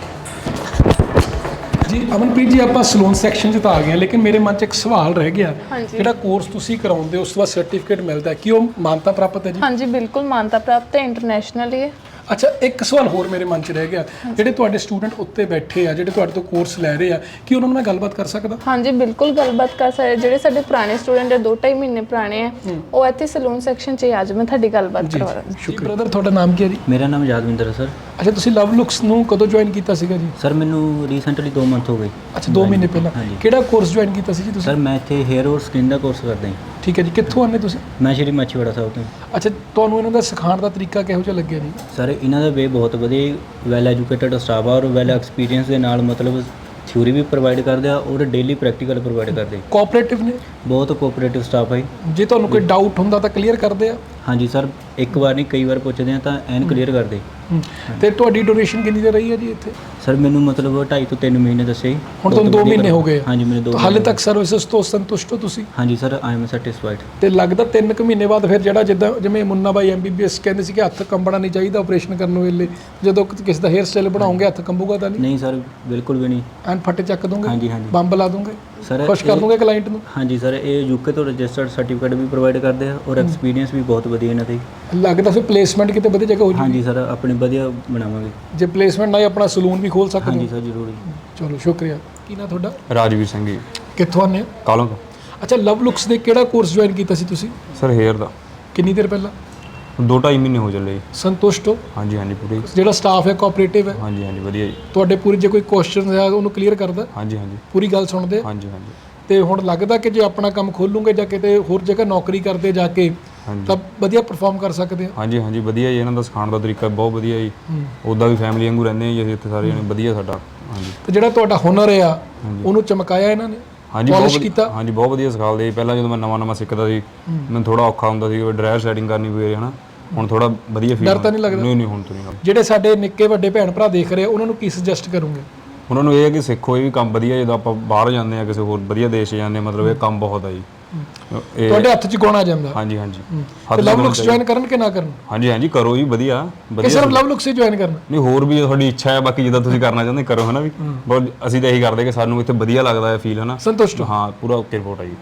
ਜੀ ਅਮਨਪ੍ਰੀਤ ਜੀ, ਆਪਾਂ ਸਲੂਨ ਸੈਕਸ਼ਨ 'ਚ ਤਾਂ ਆ ਗਏ, ਲੇਕਿਨ ਮੇਰੇ ਮਨ 'ਚ ਇੱਕ ਸਵਾਲ ਰਹਿ ਗਿਆ। ਜਿਹੜਾ ਕੋਰਸ ਤੁਸੀਂ ਕਰਾਉਂਦੇ ਉਸ ਤੋਂ ਬਾਅਦ ਸਰਟੀਫਿਕੇਟ ਮਿਲਦਾ, ਕੀ ਉਹ ਮਾਨਤਾ ਪ੍ਰਾਪਤ ਹੈ ਜੀ?
ਹਾਂਜੀ ਬਿਲਕੁਲ ਮਾਨਤਾ ਪ੍ਰਾਪਤ ਹੈ, ਇੰਟਰਨੈਸ਼ਨਲ ਹੀ ਹੈ।
ਅੱਛਾ, ਇੱਕ ਸਵਾਲ ਹੋਰ ਮੇਰੇ ਮਨ 'ਚ ਰਹਿ ਗਿਆ, ਜਿਹੜੇ ਤੁਹਾਡੇ ਸਟੂਡੈਂਟ ਉੱਤੇ ਬੈਠੇ ਆ, ਜਿਹੜੇ ਤੁਹਾਡੇ ਤੋਂ ਕੋਰਸ ਲੈ ਰਹੇ ਆ, ਕੀ ਉਹਨਾਂ ਨੂੰ ਮੈਂ ਗੱਲਬਾਤ ਕਰ ਸਕਦਾ?
ਹਾਂਜੀ ਬਿਲਕੁਲ ਗੱਲਬਾਤ ਕਰ ਸਕਦੇ। ਜਿਹੜੇ ਸਾਡੇ ਪੁਰਾਣੇ ਸਟੂਡੈਂਟ ਆ, ਦੋ ਢਾਈ ਮਹੀਨੇ ਪੁਰਾਣੇ ਆ, ਉਹ ਇੱਥੇ ਸਲੂਨ ਸੈਕਸ਼ਨ 'ਚ ਅੱਜ ਮੈਂ ਤੁਹਾਡੀ ਗੱਲਬਾਤ ਕਰਵਾ ਦਾਂਗੀ।
ਸ਼ੁਕਰੀਆ ਬ੍ਰਦਰ। ਤੁਹਾਡਾ ਨਾਮ ਕੀ ਹੈ ਜੀ?
ਮੇਰਾ ਨਾਮ ਯਾਦਵਿੰਦਰ ਹੈ ਸਰ।
ਅੱਛਾ, ਤੁਸੀਂ ਲਵ ਲੁਕਸ ਨੂੰ ਕਦੋਂ ਜੁਆਇਨ ਕੀਤਾ ਸੀਗਾ ਜੀ?
ਸਰ ਮੈਨੂੰ ਰੀਸੈਂਟਲੀ ਦੋ ਮੰਥ ਹੋ ਗਏ।
ਅੱਛਾ, ਦੋ ਮਹੀਨੇ ਪਹਿਲਾਂ। ਕਿਹੜਾ ਕੋਰਸ ਜੁਆਇਨ ਕੀਤਾ ਸੀ ਜੀ ਤੁਸੀਂ?
ਸਰ ਮੈਂ ਇੱਥੇ ਹੇਅਰ ਔਰ ਸਕਿਨ ਦਾ ਕੋਰਸ ਕਰਦਾ ਹਾਂ।
ਠੀਕ ਹੈ ਜੀ, ਕਿੱਥੋਂ ਆਉਂਦੇ ਤੁਸੀਂ?
ਮੈਂ ਸ਼੍ਰੀ ਮਾਛੀਵਾੜਾ ਸਾਹਿਬ ਤੋਂ।
ਅੱਛਾ, ਤੁਹਾਨੂੰ ਇਹਨਾਂ ਦਾ ਸਿਖਾਉਣ ਦਾ ਤਰੀਕਾ ਕਿਹੋ ਜਿਹਾ ਲੱਗਿਆ ਜੀ?
ਸਰ ਇਹਨਾਂ ਦਾ ਵੇ ਬਹੁਤ ਵਧੀਆ, ਵੈਲ ਐਜੂਕੇਟਡ ਸਟਾਫ ਆ ਔਰ ਵੈਲ ਐਕਸਪੀਰੀਅੰਸ ਦੇ ਨਾਲ ਮਤਲਬ ਥਿਊਰੀ ਵੀ ਪ੍ਰੋਵਾਈਡ ਕਰਦੇ ਆ ਔਰ ਡੇਲੀ ਪ੍ਰੈਕਟੀਕਲ ਪ੍ਰੋਵਾਈਡ ਕਰਦੇ। ਕੋਆਪਰੇਟਿਵ ਨੇ? ਬਹੁਤ ਕੋਆਪਰੇਟਿਵ ਸਟਾਫ ਹੈ। ਜੇ ਤੁਹਾਨੂੰ ਕੋਈ ਡਾਊਟ ਹੁੰਦਾ ਤਾਂ ਕਲੀਅਰ ਕਰਦੇ ਆ? ਹਾਂਜੀ ਸਰ, ਇੱਕ ਵਾਰ ਨਹੀਂ ਕਈ ਵਾਰ ਪੁੱਛਦੇ ਆ ਤਾਂ ਐਨ ਕਲੀਅਰ ਕਰਦੇ।
ਤੇ ਤੁਹਾਡੀ ਡੋਨੇਸ਼ਨ ਕਿੰਨੀ ਦੇ ਰਹੀ ਹੈ ਜੀ ਇੱਥੇ?
ਸਰ ਮੈਨੂੰ ਮਤਲਬ ਢਾਈ ਤੋਂ ਤਿੰਨ ਮਹੀਨੇ ਦੱਸੇ ਜੀ।
ਹੁਣ ਤੁਹਾਨੂੰ
ਬਹੁਤ
ਦੋ ਮਹੀਨੇ
ਵਧੀਆ
ਹੋ ਗਏ।
ਹਾਂਜੀ ਮੈਨੂੰ ਦੋ
ਤਾਂ ਹਾਲੇ
ਮਹੀਨੇ
ਤੱਕ ਸਰਵਿਸਿਜ਼ ਤੋਂ ਸੰਤੁਸ਼ਟ ਹੋ ਤੁਸੀਂ?
ਹਾਂਜੀ ਸਰ ਆਈ ਐਮ ਸੈਟੀਸਫਾਈਡ।
ਤੇ ਲੱਗਦਾ ਤਿੰਨ ਕੁ ਮਹੀਨੇ ਬਾਅਦ ਫਿਰ ਜਿਹੜਾ ਜਿੱਦਾਂ ਜਿਵੇਂ ਮੁੰਨਾ ਬਾਈ ਐਮਬੀਬੀਐਸ ਕਹਿੰਦੇ ਸੀ ਕਿ ਹੱਥ ਕੰਬਣਾ ਨਹੀਂ ਚਾਹੀਦਾ ਆਪਰੇਸ਼ਨ ਕਰਨ ਵੇਲੇ, ਜਦੋਂ ਕਿਸੇ ਦਾ ਹੇਅਰ ਸਟਾਈਲ ਬਣਾਉਂਗੇ ਹੱਥ ਕੰਬੂਗਾ ਤਾਂ ਨਹੀਂ?
ਨਹੀਂ ਸਰ ਬਿਲਕੁਲ ਵੀ ਨਹੀਂ।
ਐਨ ਫੱਟੇ ਚੱਕ ਦੋਗੇ?
ਹਾਂਜੀ ਹਾਂਜੀ
ਬੰਬ ਲਾ ਦੋਗੇ?
ਸਰ
ਖੁਸ਼ ਕਰ
ਇਹ-
ਦੋਗੇ ਕਲਾਇੰਟ ਨੂੰ?
ਹਾਂਜੀ ਸਰ ਇਹ ਯੂਕੇ ਤੋਂ ਰਜਿਸਟਰਡ ਸਰਟੀਫਿਕੇਟ ਵੀ ਪ੍ਰੋਵਾਈਡ ਕਰਦੇ ਆ ਔਰ ਐਕਸਪੀਰੀਅੰਸ ਵੀ ਬਹੁਤ ਵਧੀਆ ਇਹਨਾਂ ਦੇ।
ਲੱਗਦਾ ਫਿਰ ਪਲੇਸਮੈਂਟ ਕਿਤੇ ਵਧੀਆ ਜਗ੍ਹਾ ਹੋ ਜੂਗੀ?
ਹਾਂਜੀ ਸਰ ਆਪਣੀ ਵਧੀਆ ਬਣਾਵਾਂਗੇ।
ਜੇ ਪਲੇਸਮੈਂਟ ਨਾ ਹੀ ਆਪਣਾ ਸਲੂਨ ਵੀ ਖੋਲ ਸਕਦੇ
ਹਾਂਜੀ
ਹੋ?
ਸਰ ਜ਼ਰੂਰੀ।
ਚਲੋ ਸ਼ੁਕਰੀਆ। ਕੀ ਨਾ ਤੁਹਾਡਾ?
ਰਾਜਵੀਰ ਸਿੰਘ ਜੀ,
ਕਿੱਥੋਂ ਆਉਂਦੇ ਹੋ?
ਕਾਲੋਂ ਤੋਂ।
ਅੱਛਾ, ਲਵ ਲੁਕਸ ਦੇ ਕਿਹੜਾ ਕੋਰਸ ਜੁਆਇਨ ਕੀਤਾ ਸੀ ਤੁਸੀਂ?
ਸਰ ਹੇਅਰ ਦਾ
ਕਿੰਨੀ ਦੇਰ ਪਹਿਲਾਂ?
ਦੋ ਢਾਈ ਮਹੀਨੇ ਹੋ ਚੱਲੇ ਜੀ।
ਸੰਤੁਸ਼ਟ ਹੋ?
ਹਾਂਜੀ ਹਾਂਜੀ ਪੂਰੀ।
ਜਿਹੜਾ ਸਟਾਫ ਹੈ ਕੋਆਪਰੇਟਿਵ ਹੈ?
ਹਾਂਜੀ ਹਾਂਜੀ ਵਧੀਆ ਜੀ।
ਤੁਹਾਡੇ ਪੂਰੀ ਜੇ ਕੋਈ ਕੁਐਸਚਨ ਹੈ ਉਹਨੂੰ ਕਲੀਅਰ ਕਰਦਾ?
ਹਾਂਜੀ ਹਾਂਜੀ
ਪੂਰੀ ਗੱਲ ਸੁਣਦੇ?
ਹਾਂਜੀ ਹਾਂਜੀ
ਤੇ ਹੁਣ ਲੱਗਦਾ ਕਿ ਜੇ ਆਪਣਾ ਕੰਮ ਖੋਲੂਗੇ ਜਾਂ ਕਿਤੇ ਹੋਰ ਜਗ੍ਹਾ ਨੌਕਰੀ ਕਰਦੇ ਜਾ ਕੇ
ਹਾਂਜੀ
ਤਾਂ ਵਧੀਆ ਪਰਫਾਰਮ ਕਰ ਸਕਦੇ ਆ?
ਹਾਂਜੀ ਹਾਂਜੀ ਵਧੀਆ ਜੀ। ਇਹਨਾਂ ਦਾ ਸਿਖਾਉਣ ਦਾ ਤਰੀਕਾ ਬਹੁਤ ਵਧੀਆ ਜੀ। ਉੱਦਾਂ ਵੀ ਫੈਮਿਲੀ ਵਾਂਗੂ ਰਹਿੰਦੇ ਹਾਂ ਜੀ ਅਸੀਂ ਇੱਥੇ ਸਾਰੇ ਜਣੇ, ਵਧੀਆ ਸਾਡਾ। ਹਾਂਜੀ
ਤੇ ਜਿਹੜਾ ਤੁਹਾਡਾ ਹੁਨਰ ਆ ਉਹਨੂੰ ਚਮਕਾਇਆ ਇਹਨਾਂ ਨੇ?
ਹਾਂਜੀ ਬਹੁਤ
Polish
ਵਧੀਆ-
ਕੀਤਾ?
ਹਾਂਜੀ ਬਹੁਤ ਵਧੀਆ ਸਿਖਾਉਂਦੇ ਜੀ। ਪਹਿਲਾਂ ਜਦੋਂ ਮੈਂ ਨਵਾਂ ਨਵਾਂ ਸਿੱਖਦਾ ਸੀ ਮੈਨੂੰ ਥੋੜਾ ਔਖਾ ਹੁੰਦਾ ਸੀ, ਡਰਾਇਰ ਸੈਟਿੰਗ ਕਰਨੀ ਪਈ ਹਨਾ। ਹੁਣ ਥੋੜਾ ਵਧੀਆ ਫੀਲ
ਡਰ ਤਾਂ ਨਹੀਂ ਲੱਗਦਾ?
ਨਹੀਂ ਨਹੀਂ ਹੁਣ ਤੋਂ ਨਹੀਂ।
ਜਿਹੜੇ ਸਾਡੇ ਨਿੱਕੇ ਵੱਡੇ ਭੈਣ ਭਰਾ ਦੇਖ ਰਹੇ ਆ ਉਹਨਾਂ ਨੂੰ ਕੀ ਸੁਜੈਸਟ ਕਰੋਗੇ?
ਉਹਨਾਂ ਨੂੰ ਇਹ ਹੈ ਕਿ ਸਿੱਖੋ, ਇਹ ਵੀ ਕੰਮ ਵਧੀਆ। ਜਦੋਂ ਆਪਾਂ ਬਾਹਰ ਜਾਂਦੇ ਆ ਕਿਸੇ ਹੋਰ ਵਧੀਆ ਦੇਸ਼ 'ਚ ਜਾਂਦੇ ਹਾਂ, ਮਤਲਬ ਇਹ ਕੰਮ ਬਹੁਤ ਆ ਜੀ। ਇਹ
ਤੁਹਾਡੇ ਹੱਥ 'ਚ ਗੁਣ ਆ ਜਾਂਦਾ।
ਹਾਂਜੀ ਹਾਂਜੀ
ਤੇ ਲਵ ਲੁਕਸ ਜੁਆਇਨ ਕਰਨ ਕਿ ਨਾ ਕਰਨ?
ਹਾਂਜੀ ਹਾਂਜੀ ਕਰੋ ਜੀ, ਵਧੀਆ
ਕਿ
ਵਧੀਆ।
ਸਿਰਫ ਲਵ ਲੁਕਸ ਹੀ ਜੁਆਇਨ ਕਰਨਾ?
ਨਹੀਂ ਹੋਰ ਵੀ ਤੁਹਾਡੀ ਇੱਛਾ ਹੈ, ਬਾਕੀ ਜਿੱਦਾਂ ਤੁਸੀਂ ਕਰਨਾ ਚਾਹੁੰਦੇ ਕਰੋ ਹਨਾ। ਵੀ ਬਹੁਤ ਅਸੀਂ ਤਾਂ ਇਹੀ ਕਰਦੇ ਕਿ ਸਾਨੂੰ ਇੱਥੇ ਵਧੀਆ ਲੱਗਦਾ ਹੈ ਫੀਲ ਹਨਾ।
ਸੰਤੁਸ਼ਟ ਹੋ?
ਹਾਂ ਪੂਰਾ ਓਕੇ ਰਿਪੋਰਟ ਹੈ ਜੀ।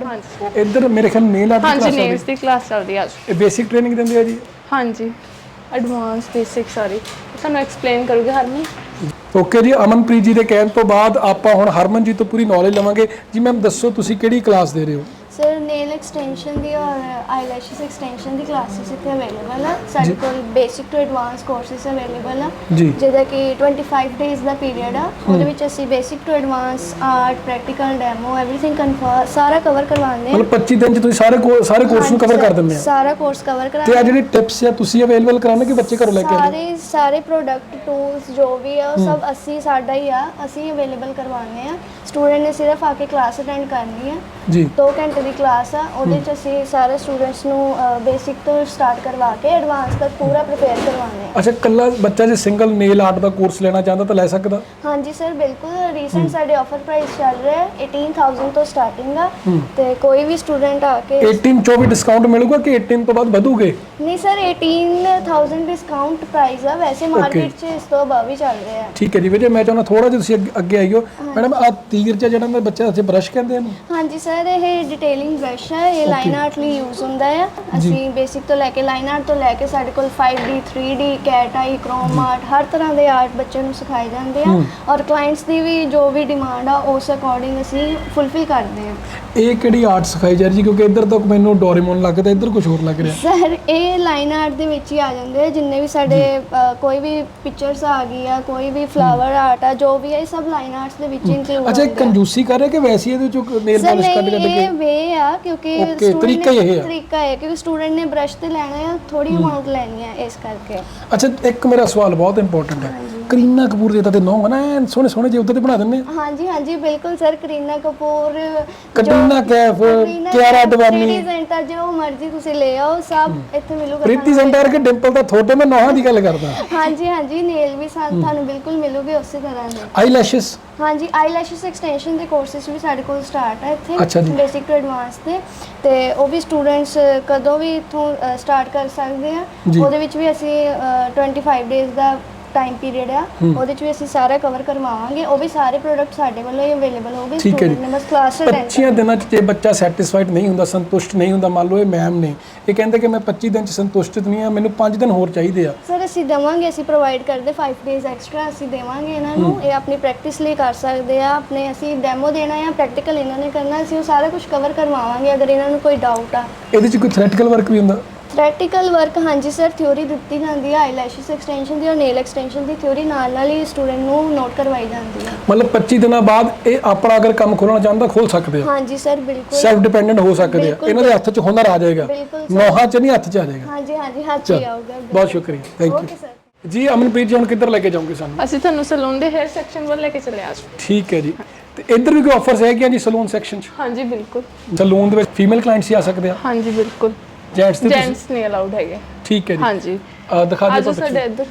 ਇੱਧਰ ਮੇਰੇ ਖਿਆਲ ਨੇਲ ਆਰਟ ਦੀ
ਹਾਂਜੀ
ਕਲਾਸ ਆ
ਨੇਲਸ ਦੀ ਕਲਾਸ ਚੱਲਦੀ ਹੈ ਅੱਜ।
ਇਹ ਬੇਸਿਕ ਟ੍ਰੇਨਿੰਗ ਦਿੰਦੇ ਆ ਜੀ?
ਹਾਂਜੀ ਐਡਵਾਂਸ ਬੇਸਿਕ ਸਾਰੀ ਤੁਹਾਨੂੰ ਐਕਸਪਲੇਨ ਕਰੂਗੇ ਹਰਮਨ।
ਓਕੇ ਜੀ, ਅਮਨਪ੍ਰੀਤ ਜੀ ਦੇ ਕਹਿਣ ਤੋਂ ਬਾਅਦ ਆਪਾਂ ਹੁਣ ਹਰਮਨ ਜੀ ਤੋਂ ਪੂਰੀ ਨੌਲੇਜ ਲਵਾਂਗੇ। ਜੀ ਮੈਮ ਦੱਸੋ ਤੁਸੀਂ ਕਿਹੜੀ ਕਲਾਸ ਦੇ ਰਹੇ ਹੋ?
ਸਰ ਨੇਲ ਐਕਸਟੈਂਸ਼ਨ ਦੀ ਔਰ ਆਈਲੈਸ਼ਸ ਐਕਸਟੈਂਸ਼ਨ ਦੀ ਕਲਾਸਿਸ ਇੱਥੇ ਅਵੇਲੇਬਲ ਆ। ਸਾਡੇ ਕੋਲ basic to advance courses available ਆ,
ਜੀ।
ਜਿਹਦਾ ਕਿ ਪੱਚੀ ਡੇਜ਼ ਦਾ ਪੀਰੀਅਡ ਆ। ਉਹਦੇ ਵਿੱਚ ਅਸੀਂ basic to advance art, practical, demo, everything confirm ਸਾਰਾ ਕਵਰ ਕਰਵਾਉਂਦੇ
ਮਤਲਬ ਪੱਚੀ ਦਿਨ 'ਚ ਤੁਸੀਂ ਸਾਰੇ ਕੋ- ਸਾਰੇ ਕੋਰਸ ਨੂੰ ਕਵਰ ਕਰ ਦਿੰਦੇ ਆ?
ਸਾਰਾ ਕੋਰਸ ਕਵਰ
ਤੇ ਆ
ਕਰਾਉਂਦੇ
ਜਿਹੜੇ ਟਿਪਸ ਆ ਤੁਸੀਂ ਅਵੇਲੇਬਲ ਕਰਾਉਂਦੇ ਕਿ ਬੱਚੇ ਘਰੋਂ ਲੈ ਕੇ ਆਉਂਦੇ?
ਸਾਰੇ ਸਾਰੇ ਪ੍ਰੋਡਕਟ ਟੂਲਸ ਜੋ ਵੀ ਆ ਉਹ ਸਭ ਅਸੀਂ ਸਾਡਾ ਹੀ ਆ, ਅਸੀਂ ਅਵੇਲੇਬਲ ਕਰਵਾਉਂਦੇ ਆ। ਸਟੂਡੈਂਟ ਨੇ ਸਿਰਫ ਆ ਕੇ ਕਲਾਸ ਅਟੈਂਡ ਕਰਨੀ ਆ।
ਜੀ।
ਦੋ ਘੰਟੇ ਦੀ ਕਲਾਸ ਆ, ਉਹਦੇ ਚ ਅਸੀਂ ਸਾਰੇ ਸਟੂਡੈਂਟਸ ਨੂੰ ਬੇਸਿਕ ਤੋਂ ਸਟਾਰਟ ਕਰਵਾ ਕੇ ਐਡਵਾਂਸ ਤੱਕ ਪੂਰਾ ਪ੍ਰਿਪੇਅਰ ਕਰਵਾਉਂਦੇ ਆ।
ਅੱਛਾ, ਕੱਲਾ ਬੱਚਾ ਜੇ ਸਿੰਗਲ ਨੇਲ ਆਰਟ ਦਾ ਕੋਰਸ ਲੈਣਾ ਚਾਹੁੰਦਾ ਤਾਂ ਲੈ ਸਕਦਾ?
ਹਾਂਜੀ ਸਰ ਬਿਲਕੁਲ। ਰੀਸੈਂਟ ਸਾਡੇ ਆਫਰ ਪ੍ਰਾਈਸ ਚੱਲ ਰਿਹਾ ਹੈ ਅਠਾਰਾਂ ਹਜ਼ਾਰ ਤੋਂ ਸਟਾਰਟਿੰਗ ਆ। ਤੇ ਕੋਈ ਵੀ ਸਟੂਡੈਂਟ ਆ ਕੇ
ਅਠਾਰਾਂ ਚੋਂ ਵੀ ਡਿਸਕਾਊਂਟ ਮਿਲੂਗਾ ਕਿ ਅਠਾਰਾਂ ਤੋਂ ਬਾਅਦ ਵਧੂਗੇ?
ਨਹੀਂ ਸਰ ਅਠਾਰਾਂ ਹਜ਼ਾਰ ਡਿਸਕਾਊਂਟ ਪ੍ਰਾਈਸ ਆ, ਵੈਸੇ ਮਾਰਕੀਟ 'ਚ ਇਸ ਤੋਂ ਅਬਵ ਹੀ ਚੱਲ ਰਿਹਾ ਹੈ।
ਠੀਕ ਹੈ ਜੀ। ਵੀਰੇ ਮੈਂ ਚਾਹੁੰਦਾ ਥੋੜਾ ਜਿਹਾ ਤੁਸੀਂ ਅੱਗੇ- ਅੱਗੇ ਆਈਓ। ਮੈਡਮ ਆ ਤੀਰ ਜਿਹਾ ਜਿਹੜਾ ਮੈਂ ਬੱਚਾ ਇੱਥੇ ਬ੍ਰਸ਼ ਕਹਿੰਦੇ ਇਹਨੂੰ?
ਹਾਂਜੀ ਸਰ ਇਹ ਡਿਟੇਲਿੰਗ ਬ੍ਰਸ਼ ਹੈ, ਇਹ ਲਾਈਨ ਆਰਟ ਲਈ ਯੂਜ਼ ਹੁੰਦਾ ਹੈ। ਅਸੀਂ ਬੇਸਿਕ ਤੋਂ ਲੈ ਕੇ ਲਾਈਨ ਆਰਟ ਤੋਂ ਲੈ ਕੇ ਸਾਡੇ ਕੋਲ five D, three D, cat eye, chrome art ਹਰ ਤਰ੍ਹਾਂ ਦੇ ਆਰਟ ਬੱਚਿਆਂ ਨੂੰ ਸਿਖਾਏ ਜਾਂਦੇ ਆ। ਔਰ ਕਲਾਇੰਟਸ ਦੀ ਵੀ ਜੋ ਵੀ ਡਿਮਾਂਡ ਆ ਉਸ ਅਕੋਰਡਿੰਗ ਅਸੀਂ ਫੁੱਲਫਿਲ ਕਰਦੇ ਹਾਂ।
ਇਹ ਕਿਹੜੀ ਆਰਟ ਸਿਖਾਈ ਜਾ ਰਹੀ ਜੀ? ਕਿਉਂਕਿ ਇੱਧਰ ਤੱਕ ਮੈਨੂੰ ਡੋਰੇਮੋਨ ਲੱਗਦਾ, ਇੱਧਰ ਕੁਝ ਹੋਰ ਲੱਗ ਰਿਹਾ।
ਸਰ ਇਹ ਲਾਈਨ ਆਰਟ ਦੇ ਵਿੱਚ ਹੀ ਆ ਜਾਂਦੇ ਆ, ਜਿੰਨੇ ਵੀ ਸਾਡੇ ਅ, ਕੋਈ ਵੀ ਪਿਕਚਰਸ ਆ ਗਈ ਆ, ਕੋਈ ਵੀ ਫਲਾਵਰ ਆਰਟ ਆ, ਜੋ ਵੀ ਹੈ ਇਹ ਸਭ ਲਾਈਨ ਆਰਟਸ ਦੇ ਵਿੱਚ ਇੰਕਲੂਡ
ਅੱਛਾ, ਇਹ ਕੰਜੂਸੀ ਕਰ ਰਿਹਾ ਕਿ ਵੈਸੇ ਇਹਦੇ ਚੋਂ ਨੇਲ
ਸਰ
ਪਾਲਿਸ਼ ਕੱਢ ਕੱਢ
ਨਹੀਂ,
ਕੇ?
ਇਹ ਵੇ ਆ ਕਿਉਂਕਿ
Okay,
student
ਤਰੀਕਾ ਹੀ
ਨੇ-
ਇਹ ਆ।
ਤਰੀਕਾ ਹੈ ਕਿਉਂਕਿ ਸਟੂਡੈਂਟ ਨੇ ਬ੍ਰਸ਼ ਤੇ ਲੈਣਾ ਹੈ, ਥੋੜੀ ਅਮਾਉਂਟ ਲੈਣੀ ਹੈ ਇਸ ਕਰਕੇ।
ਅੱਛਾ, ਇੱਕ ਮੇਰਾ ਸਵਾਲ ਬਹੁਤ ਇੰਪੋਰਟੈਂਟ ਹੈ। ਕਰੀਨਾ ਕਪੂਰ ਦੇ ਤਾਂ ਤੇ ਨੌਂ ਹੈ ਨਾ ਐਨ ਸੋਹਣੇ ਸੋਹਣੇ ਜਿਹੇ ਉੱਤੇ ਤੇ ਬਣਾ ਦਿੰਦੇ ਆ।
ਹਾਂਜੀ ਹਾਂਜੀ ਬਿਲਕੁਲ ਸਰ। ਕਰੀਨਾ ਕਪੂਰ,
ਕਟਰੀਨਾ ਕੈਫ, ਕਿਆਰਾ ਅਡਵਾਨੀ,
ਪ੍ਰੀਤੀ ਜ਼ੈਂਟਾ, ਜੋ ਮਰਜ਼ੀ ਤੁਸੀਂ ਲੈ ਆਓ ਸਭ ਇੱਥੇ ਮਿਲੂਗਾ।
ਪ੍ਰੀਤੀ ਜ਼ੈਂਟਾ ਕੇ ਡਿੰਪਲ ਤਾਂ ਥੋੜੇ ਮੈਂ ਨੌਹਾਂ ਦੀ ਗੱਲ ਕਰਦਾ।
ਹਾਂਜੀ ਹਾਂਜੀ ਨੇਲ ਵੀ ਸਾਨੂੰ ਤੁਹਾਨੂੰ ਬਿਲਕੁਲ ਮਿਲੂਗੇ ਉਸੇ ਤਰ੍ਹਾਂ ਦੇ।
ਆਈਲੈਸ਼ਸ?
ਹਾਂਜੀ ਆਈਲੈਸ਼ਸ ਐਕਸਟੈਂਸ਼ਨ ਦੇ ਕੋਰਸਿਸ ਵੀ ਸਾਡੇ ਕੋਲ ਸਟਾਰਟ ਹੈ
ਅੱਛਾ ਜੀ।
ਇੱਥੇ ਬੇਸਿਕ ਟੂ ਐਡਵਾਂਸ ਦੇ। ਤੇ ਉਹ ਵੀ ਸਟੂਡੈਂਟਸ ਕਦੋਂ ਵੀ ਇੱਥੋਂ ਸਟਾਰਟ ਕਰ ਸਕਦੇ ਆ।
ਜੀ।
ਉਹਦੇ ਵਿੱਚ ਵੀ ਅਸੀਂ ਪੱਚੀ ਡੇਜ਼ ਦਾ ਟਾਈਮ ਪੀਰੀਅਡ ਆ, ਉਹਦੇ ਚ ਵੀ ਅਸੀਂ ਸਾਰਾ ਕਵਰ ਕਰਵਾਵਾਂਗੇ। ਉਹ ਵੀ ਸਾਰੇ ਪ੍ਰੋਡਕਟ ਸਾਡੇ ਵੱਲੋਂ ਹੀ ਅਵੇਲੇਬਲ ਹੋਗੇ।
ਠੀਕ ਹੈ ਜੀ।
ਸਟੂਡੈਂਟ ਨੇ ਬਸ ਕਲਾਸ ਅਟੈਂਡ
ਪੱਚੀ ਦਿਨਾਂ 'ਚ ਜੇ ਬੱਚਾ ਸੈਟੀਸਫਾਈਡ ਨਹੀਂ ਹੁੰਦਾ, ਸੰਤੁਸ਼ਟ ਨਹੀਂ ਹੁੰਦਾ, ਮੰਨ ਲਓ ਇਹ ਮੈਮ ਨੇ ਇਹ ਕਹਿੰਦੇ ਕਿ ਮੈਂ ਪੱਚੀ ਦਿਨ 'ਚ ਸੰਤੁਸ਼ਟ ਨਹੀਂ ਆ, ਮੈਨੂੰ ਪੰਜ ਦਿਨ ਹੋਰ ਚਾਹੀਦੇ ਆ।
ਸਰ ਅਸੀਂ ਦੇਵਾਂਗੇ, ਅਸੀਂ ਪ੍ਰੋਵਾਈਡ ਕਰਦੇ ਪੰਜ ਡੇਜ਼ ਐਕਸਟਰਾ ਅਸੀਂ ਦੇਵਾਂਗੇ ਇਹਨਾਂ ਨੂੰ। ਇਹ ਆਪਣੀ ਪ੍ਰੈਕਟਿਸ ਲਈ ਕਰ ਸਕਦੇ ਆ, ਆਪਣੇ ਅਸੀਂ ਡੈਮੋ ਦੇਣਾ ਜਾਂ ਪ੍ਰੈਕਟੀਕਲ ਇਹਨਾਂ ਨੇ ਕਰਨਾ, ਅਸੀਂ ਉਹ ਸਾਰਾ ਕੁਝ ਕਵਰ ਕਰਵਾਵਾਂਗੇ ਅਗਰ ਇਹਨਾਂ ਨੂੰ ਕੋਈ ਡਾਊਟ ਆ।
ਇਹਦੇ 'ਚ ਕੋਈ ਥਿਓਰੈਟੀਕਲ ਵਰਕ ਵੀ ਹੁੰਦਾ?
ਪ੍ਰੈਕਟੀਕਲ ਵਰਕ ਹਾਂਜੀ ਸਰ, ਥਿਊਰੀ ਦਿੱਤੀ ਜਾਂਦੀ ਹੈ ਆਈਲੈਸ਼ਸ ਐਕਸਟੈਂਸ਼ਨ ਦੀ ਔਰ ਨੇਲ ਐਕਸਟੈਂਸ਼ਨ ਦੀ ਥਿਊਰੀ ਨਾਲ ਨਾਲ ਹੀ ਸਟੂਡੈਂਟ ਨੂੰ ਨੋਟ ਕਰਵਾਈ ਜਾਂਦੀ ਹੈ।
ਮਤਲਬ ਪੱਚੀ ਦਿਨਾਂ ਬਾਅਦ ਇਹ ਆਪਣਾ ਅਗਰ ਕੰਮ ਖੋਲਣਾ ਚਾਹੁੰਦਾ ਖੋਲ ਸਕਦੇ ਆ?
ਹਾਂਜੀ ਸਰ ਬਿਲਕੁਲ।
ਸੈਲਫ ਡਿਪੈਂਡੈਂਟ ਹੋ ਸਕਦੇ ਆ।
ਬਿਲਕੁਲ,
ਇਹਨਾਂ ਦੇ ਹੱਥ 'ਚ ਹੁਨਰ ਆ ਜਾਏਗਾ,
ਬਿਲਕੁਲ ਸਰ।
ਨੌਹਾਂ 'ਚ ਨਹੀਂ ਹੱਥ 'ਚ ਆ ਜਾਏਗਾ।
ਹਾਂਜੀ ਹਾਂਜੀ ਹੱਥ ਹੀ ਆਊਗਾ।
ਬਹੁਤ ਸ਼ੁਕਰੀਆ, ਥੈਂਕ
ਓਕੇ
ਯੂ
ਸਰ।
ਜੀ। ਅਮਨਪ੍ਰੀਤ ਜੀ ਹੁਣ ਕਿੱਧਰ ਲੈ ਕੇ ਜਾਓਗੇ ਸਾਨੂੰ?
ਅਸੀਂ ਤੁਹਾਨੂੰ ਸਲੂਨ ਦੇ ਹੈਅਰ ਸੈਕਸ਼ਨ ਵੱਲ ਲੈ ਕੇ ਚੱਲੇ ਅੱਜ।
ਠੀਕ ਹੈ ਜੀ। ਤੇ ਇੱਧਰ ਵੀ ਕੋਈ ਆਫਰਸ ਹੈਗੀਆਂ ਜੀ ਸਲੂਨ ਸੈਕਸ਼ਨ 'ਚ?
ਹਾਂਜੀ ਬਿਲਕੁਲ।
ਸਲੂਨ ਦੇ ਵਿੱਚ ਫੀਮੇਲ ਕਲਾਇੰਟਸ ਹੀ ਆ ਸਕਦੇ ਆ?
ਹਾਂਜੀ ਬਿਲਕੁਲ।
ਜੈਂਟਸ ਦੇ ਤੁਸੀਂ?
ਜੈਂਟਸ ਨਹੀਂ ਅਲਾਉਡ ਹੈਗੇ।
ਠੀਕ ਹੈ ਜੀ।
ਹਾਂਜੀ
ਅਹ ਦਿਖਾ ਦਿਓ
ਆਜੋ
ਤਾਂ
ਸਾਡੇ ਇੱਧਰ।